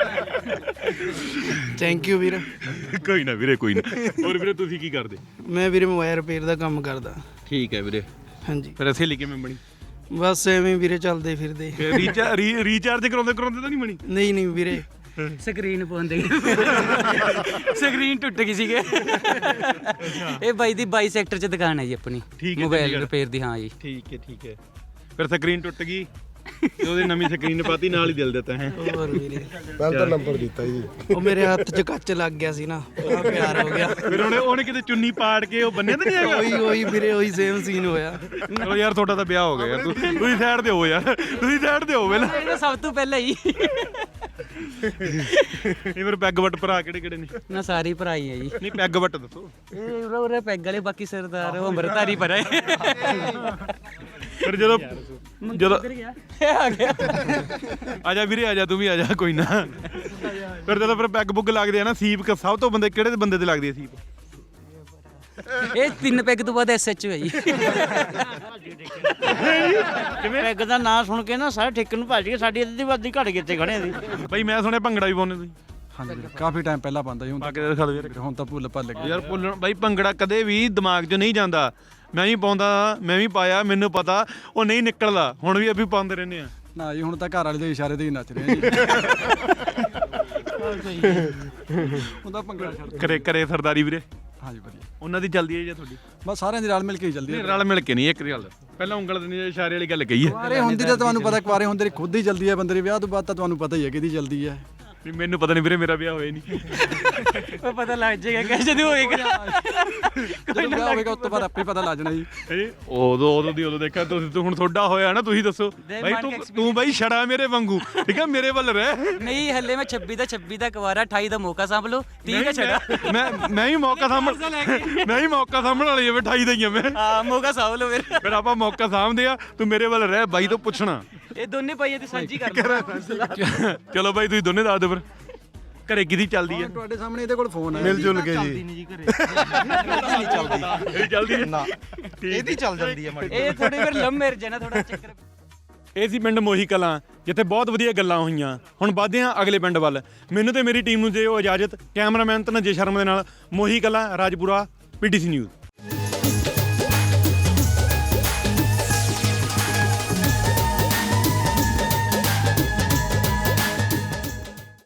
I: ਥੈਂਕ ਯੂ ਵੀਰ
A: ਕੋਈ ਨਾ ਵੀਰੇ ਕੋਈ ਨਾ ਹੋਰ ਵੀਰੇ ਤੁਸੀਂ ਕੀ ਕਰਦੇ
I: ਮੈਂ ਵੀਰੇ ਮੋਬਾਈਲ ਰਿਪੇਅਰ ਦਾ ਕੰਮ ਕਰਦਾ
A: ਠੀਕ ਹੈ ਵੀਰੇ
I: ਹਾਂਜੀ
A: ਫਿਰ ਸਹੇਲੀ ਕਿਵੇਂ ਬਣੀ
I: ਬਸ ਐਵੇਂ ਵੀਰੇ ਚੱਲਦੇ ਫਿਰਦੇ
A: ਰੀਚਾਰਜ ਰੀਚਾਰਜ ਕਰਾਉਂਦੇ ਕਰਾਉਂਦੇ ਤਾਂ ਨਹੀਂ ਬਣੀ
I: ਨਹੀਂ ਨਹੀਂ ਵੀਰੇ
G: ਸਕਰੀਨ ਪਾਉਂਦੇ ਸਕਰੀਨ ਟੁੱਟ ਗਈ ਸੀਗੇ ਇਹ ਬਾਈ ਦੀ ਬਾਈ ਸੈਕਟਰ 'ਚ ਦੁਕਾਨ ਹੈ ਜੀ ਆਪਣੀ ਮੋਬਾਈਲ ਰਿਪੇਅਰ ਦੀ ਹਾਂ ਜੀ
A: ਠੀਕ ਹੈ ਠੀਕ ਹੈ ਫਿਰ ਸਕਰੀਨ ਟੁੱਟ ਗਈ ਤੇ ਉਹਦੀ ਨਵੀਂ ਸਕਰੀਨ ਪਾਤੀ ਨਾਲ ਹੀ ਦਿਲ ਦਿੱਤਾ ਹੈ
I: ਹੋਰ ਵੀਰੇ
R: ਪਹਿਲਾਂ ਤਾਂ ਨੰਬਰ ਦਿੱਤਾ ਜੀ
I: ਉਹ ਮੇਰੇ ਹੱਥ 'ਚ ਕੱਚ ਲੱਗ ਗਿਆ ਸੀ ਨਾ ਬੜਾ ਪਿਆਰ ਹੋ ਗਿਆ
A: ਫਿਰ ਉਹਨੇ ਉਹਨੇ ਕਿਤੇ ਚੁੰਨੀ ਪਾੜ ਕੇ ਉਹ ਬੰਨੇ ਤਾਂ ਨਹੀਂ ਹੈਗਾ
I: ਉਹੀ ਉਹੀ ਵੀਰੇ ਉਹੀ ਸੇਮ ਸੀਨ ਹੋਇਆ
A: ਚਲੋ ਯਾਰ ਤੁਹਾਡਾ ਤਾਂ ਵਿਆਹ ਹੋ ਗਿਆ ਯਾਰ ਤੁਸੀਂ ਸਾਈਡ ਤੇ ਹੋ ਯਾਰ ਤੁਸੀਂ ਸਾਈਡ ਤੇ ਹੋ ਪਹਿਲਾਂ
G: ਇਹ ਸਭ ਤੋਂ ਪਹਿਲਾਂ ਹੀ
A: ਇਹ ਫਿਰ ਪੈਗ ਵੱਟ ਭਰਾ ਕਿਹੜੇ ਕਿਹੜੇ ਨੇ
G: ਨਾ ਸਾਰੀ ਭਰਾਈ ਹੈ ਜੀ
A: ਨਹੀਂ ਪੈਗ ਵੱਟ ਦੱਸੋ
G: ਇਹ ਉਰੇ ਉਰੇ ਪੈਗ ਵਾਲੇ ਬਾਕੀ ਸਰਦਾਰ ਉਹ ਅੰਮ੍ਰਿਤਧਾਰੀ ਪਰ ਹੈ
A: ਫਿਰ ਜਦੋਂ ਜਦੋਂ
G: ਆ ਗਿਆ
A: ਆ ਜਾ ਵੀਰੇ ਆ ਜਾ ਤੂੰ ਵੀ ਆ ਜਾ ਕੋਈ ਨਾ ਫਿਰ ਜਦੋਂ ਫਿਰ ਪੈਗ ਬੁੱਗ ਲੱਗਦੇ ਆ ਨਾ ਸੀਪ ਸਭ ਤੋਂ ਬੰਦੇ ਕਿਹੜੇ ਬੰਦੇ ਤੇ ਲੱਗਦੀ ਆ ਸੀਪ
G: ਇਹ ਤਿੰਨ ਪੈਗ ਤੋਂ ਬਾਅਦ ਐਸਐਚਓ ਹੈ ਜੀ
D: ਕਿਵੇਂ ਪੈਗ ਦਾ ਨਾਂ ਸੁਣ ਕੇ ਨਾ ਸਾਰੇ ਠੇਕੇ ਨੂੰ ਭੱਜ ਗਏ ਸਾਡੀ ਅੱਧੀ ਵਾਦੀ ਘੜ ਗਏ ਇੱਥੇ ਖੜੇ ਸੀ
A: ਬਈ ਮੈਂ ਸੁਣਿਆ ਭੰਗੜਾ ਵੀ ਪਾਉਂਦੇ ਤੁਸੀਂ
O: ਹਾਂਜੀ ਕਾਫੀ ਟਾਈਮ ਪਹਿਲਾਂ ਪਾਉਂਦਾ ਸੀ ਹੁਣ
A: ਪਾ ਕੇ ਦਿਖਾ ਦਿਓ ਯਾਰ
O: ਹੁਣ ਤਾਂ ਭੁੱਲ ਭੱਲ ਗਏ
A: ਯਾਰ ਭੁੱਲਣ ਬਾਈ ਭੰਗੜਾ ਕਦੇ ਵੀ ਦਿਮਾਗ 'ਚ ਨਹੀਂ ਜਾਂਦਾ ਮੈਂ ਵੀ ਪਾਉਂਦਾ ਮੈਂ ਵੀ ਪਾਇਆ ਮੈਨੂੰ ਪਤਾ ਉਹ ਨਹੀਂ ਨਿਕਲਦਾ ਹੁਣ ਵੀ ਅਸੀਂ ਪਾਉਂਦੇ ਰਹਿੰਦੇ ਆ
O: ਨਾ ਜੀ ਹੁਣ ਤਾਂ ਘਰ ਵਾਲੇ ਦੇ ਇਸ਼ਾਰੇ ਤੇ ਹੀ ਨੱਚ ਰਹੇ ਜੀ ਉਹਦਾ ਭੰਗੜਾ ਛੱਡ
A: ਕਰੇ ਕਰੇ ਸਰਦਾਰੀ ਵੀਰੇ
O: ਹਾਂਜੀ ਵਧੀਆ
A: ਉਹਨਾਂ ਦੀ ਚੱਲਦੀ ਹੈ ਜਾਂ ਤੁਹਾਡੀ
O: ਬਸ ਸਾਰਿਆਂ ਦੀ ਰਲ ਮਿਲ ਕੇ ਹੀ ਚੱਲਦੀ
A: ਨਹੀਂ ਰਲ ਮਿਲ ਕੇ ਨਹੀਂ ਇੱਕ ਗੱਲ ਪਹਿਲਾਂ ਉਂਗਲ ਦੇ ਇਸ਼ਾਰੇ ਵਾਲੀ ਗੱਲ ਕਹੀ ਹੈ
O: ਕੁਆਰੇ ਹੁੰਦੀ ਤਾਂ ਤੁਹਾਨੂੰ ਪਤਾ ਕੁਆਰੇ ਹੁੰਦੇ ਖੁਦ ਹੀ ਜਲਦੀ ਹੈ ਬੰਦੇ ਦੇ ਵਿਆਹ ਤੋਂ ਬਾਅਦ ਤਾਂ ਤੁਹਾਨੂੰ ਪਤਾ ਹੀ ਹੈ ਕਿਹਦੀ ਜਲਦੀ ਹੈ
A: ਵੀ ਮੈਨੂੰ ਪਤਾ ਨਹੀਂ ਵੀਰੇ ਮੇਰਾ ਵਿਆਹ ਹੋਇਆ ਨਹੀਂ
G: ਉਹ ਪਤਾ ਲੱਗ ਜਾਏਗਾ ਕਿ ਜਦੋਂ ਹੋਏਗਾ
O: ਜਦੋਂ ਵਿਆਹ ਹੋਵੇਗਾ ਉਸ ਤੋਂ ਬਾਅਦ ਆਪੇ ਪਤਾ ਲੱਗ ਜਾਣਾ ਜੀ
A: ਉਦੋਂ ਉਦੋਂ ਦੀ ਉਦੋਂ ਦੇਖਿਆ ਤੁਸੀਂ ਹੁਣ ਤੁਹਾਡਾ ਹੋਇਆ ਨਾ ਤੁਸੀਂ ਦੱਸੋ ਬਾਈ ਤੂੰ ਤੂੰ ਬਾਈ ਛੜਾ ਮੇਰੇ ਵਾਂਗੂ ਠੀਕ ਹੈ ਮੇਰੇ ਵੱਲ ਰਹਿ
G: ਨਹੀਂ ਹੱਲੇ ਮੈਂ ਛੱਬੀ ਦਾ ਛੱਬੀ ਦਾ ਕੁਵਾਰਾ ਅਠਾਈ ਦਾ ਮੌਕਾ ਸਾਂਭ ਲਓ ਤੀਹ ਦਾ ਛੜਾ
A: ਮੈਂ ਮੈਂ ਹੀ ਮੌਕਾ ਸਾਂਭਣ ਮੈਂ ਹੀ ਮੌਕਾ ਸਾਂਭਣ ਵਾਲੀ ਆ ਅਠਾਈ ਦਾ ਹੀ ਆ ਮੈਂ
G: ਹਾਂ ਮੌਕਾ ਸਾਂਭ ਲਓ ਫਿਰ
A: ਫਿਰ ਆਪਾਂ ਮੌਕਾ ਸਾਂਭਦੇ ਆ ਤੂੰ ਮੇਰੇ ਵੱਲ ਰਹਿ ਬਾਈ ਤੋਂ ਪੁੱਛਣਾ
G: ਇਹ ਦੋਨੇ ਭਾਈਆਂ ਦੀ ਸਾਂਝੀ ਕਰ
A: ਚਲੋ ਬਾਈ ਤੁਸੀਂ ਦੋਨੇ ਦੱਸ ਦਿਓ ਫਿਰ ਘਰੇ ਕਿਹਦੀ ਚੱਲਦੀ ਹੈ
O: ਤੁਹਾਡੇ ਸਾਹਮਣੇ ਇਹਦੇ ਕੋਲ ਫੋਨ ਹੈ
R: ਮਿਲ ਜੁਲ ਕੇ ਜੀ
G: ਨਹੀਂ ਘਰੇ
A: ਨਹੀਂ ਚੱਲਦੀ ਇਹ ਚੱਲਦੀ ਹੈ
Q: ਨਾ ਇਹਦੀ ਚੱਲ ਜਾਂਦੀ ਹੈ ਮਾੜੀ
G: ਇਹ ਥੋੜੀ ਫਿਰ ਲੰਮ ਮੇਰ ਜਨਾ ਥੋੜਾ ਚੱਕਰ
A: ਇਹ ਸੀ ਪਿੰਡ ਮੋਹੀ ਕਲਾਂ ਜਿੱਥੇ ਬਹੁਤ ਵਧੀਆ ਗੱਲਾਂ ਹੋਈਆਂ ਹੁਣ ਵੱਧਦੇ ਹਾਂ ਅਗਲੇ ਪਿੰਡ ਵੱਲ ਮੈਨੂੰ ਤੇ ਮੇਰੀ ਟੀਮ ਨੂੰ ਦਿਓ ਇਜਾਜ਼ਤ ਕੈਮਰਾਮੈਨ ਤਨਜੇ ਸ਼ਰਮ ਦੇ ਨਾਲ ਮੋਹੀ ਕਲਾਂ ਰਾਜਪੁਰਾ ਪੀਟੀਸੀ ਨਿਊਜ਼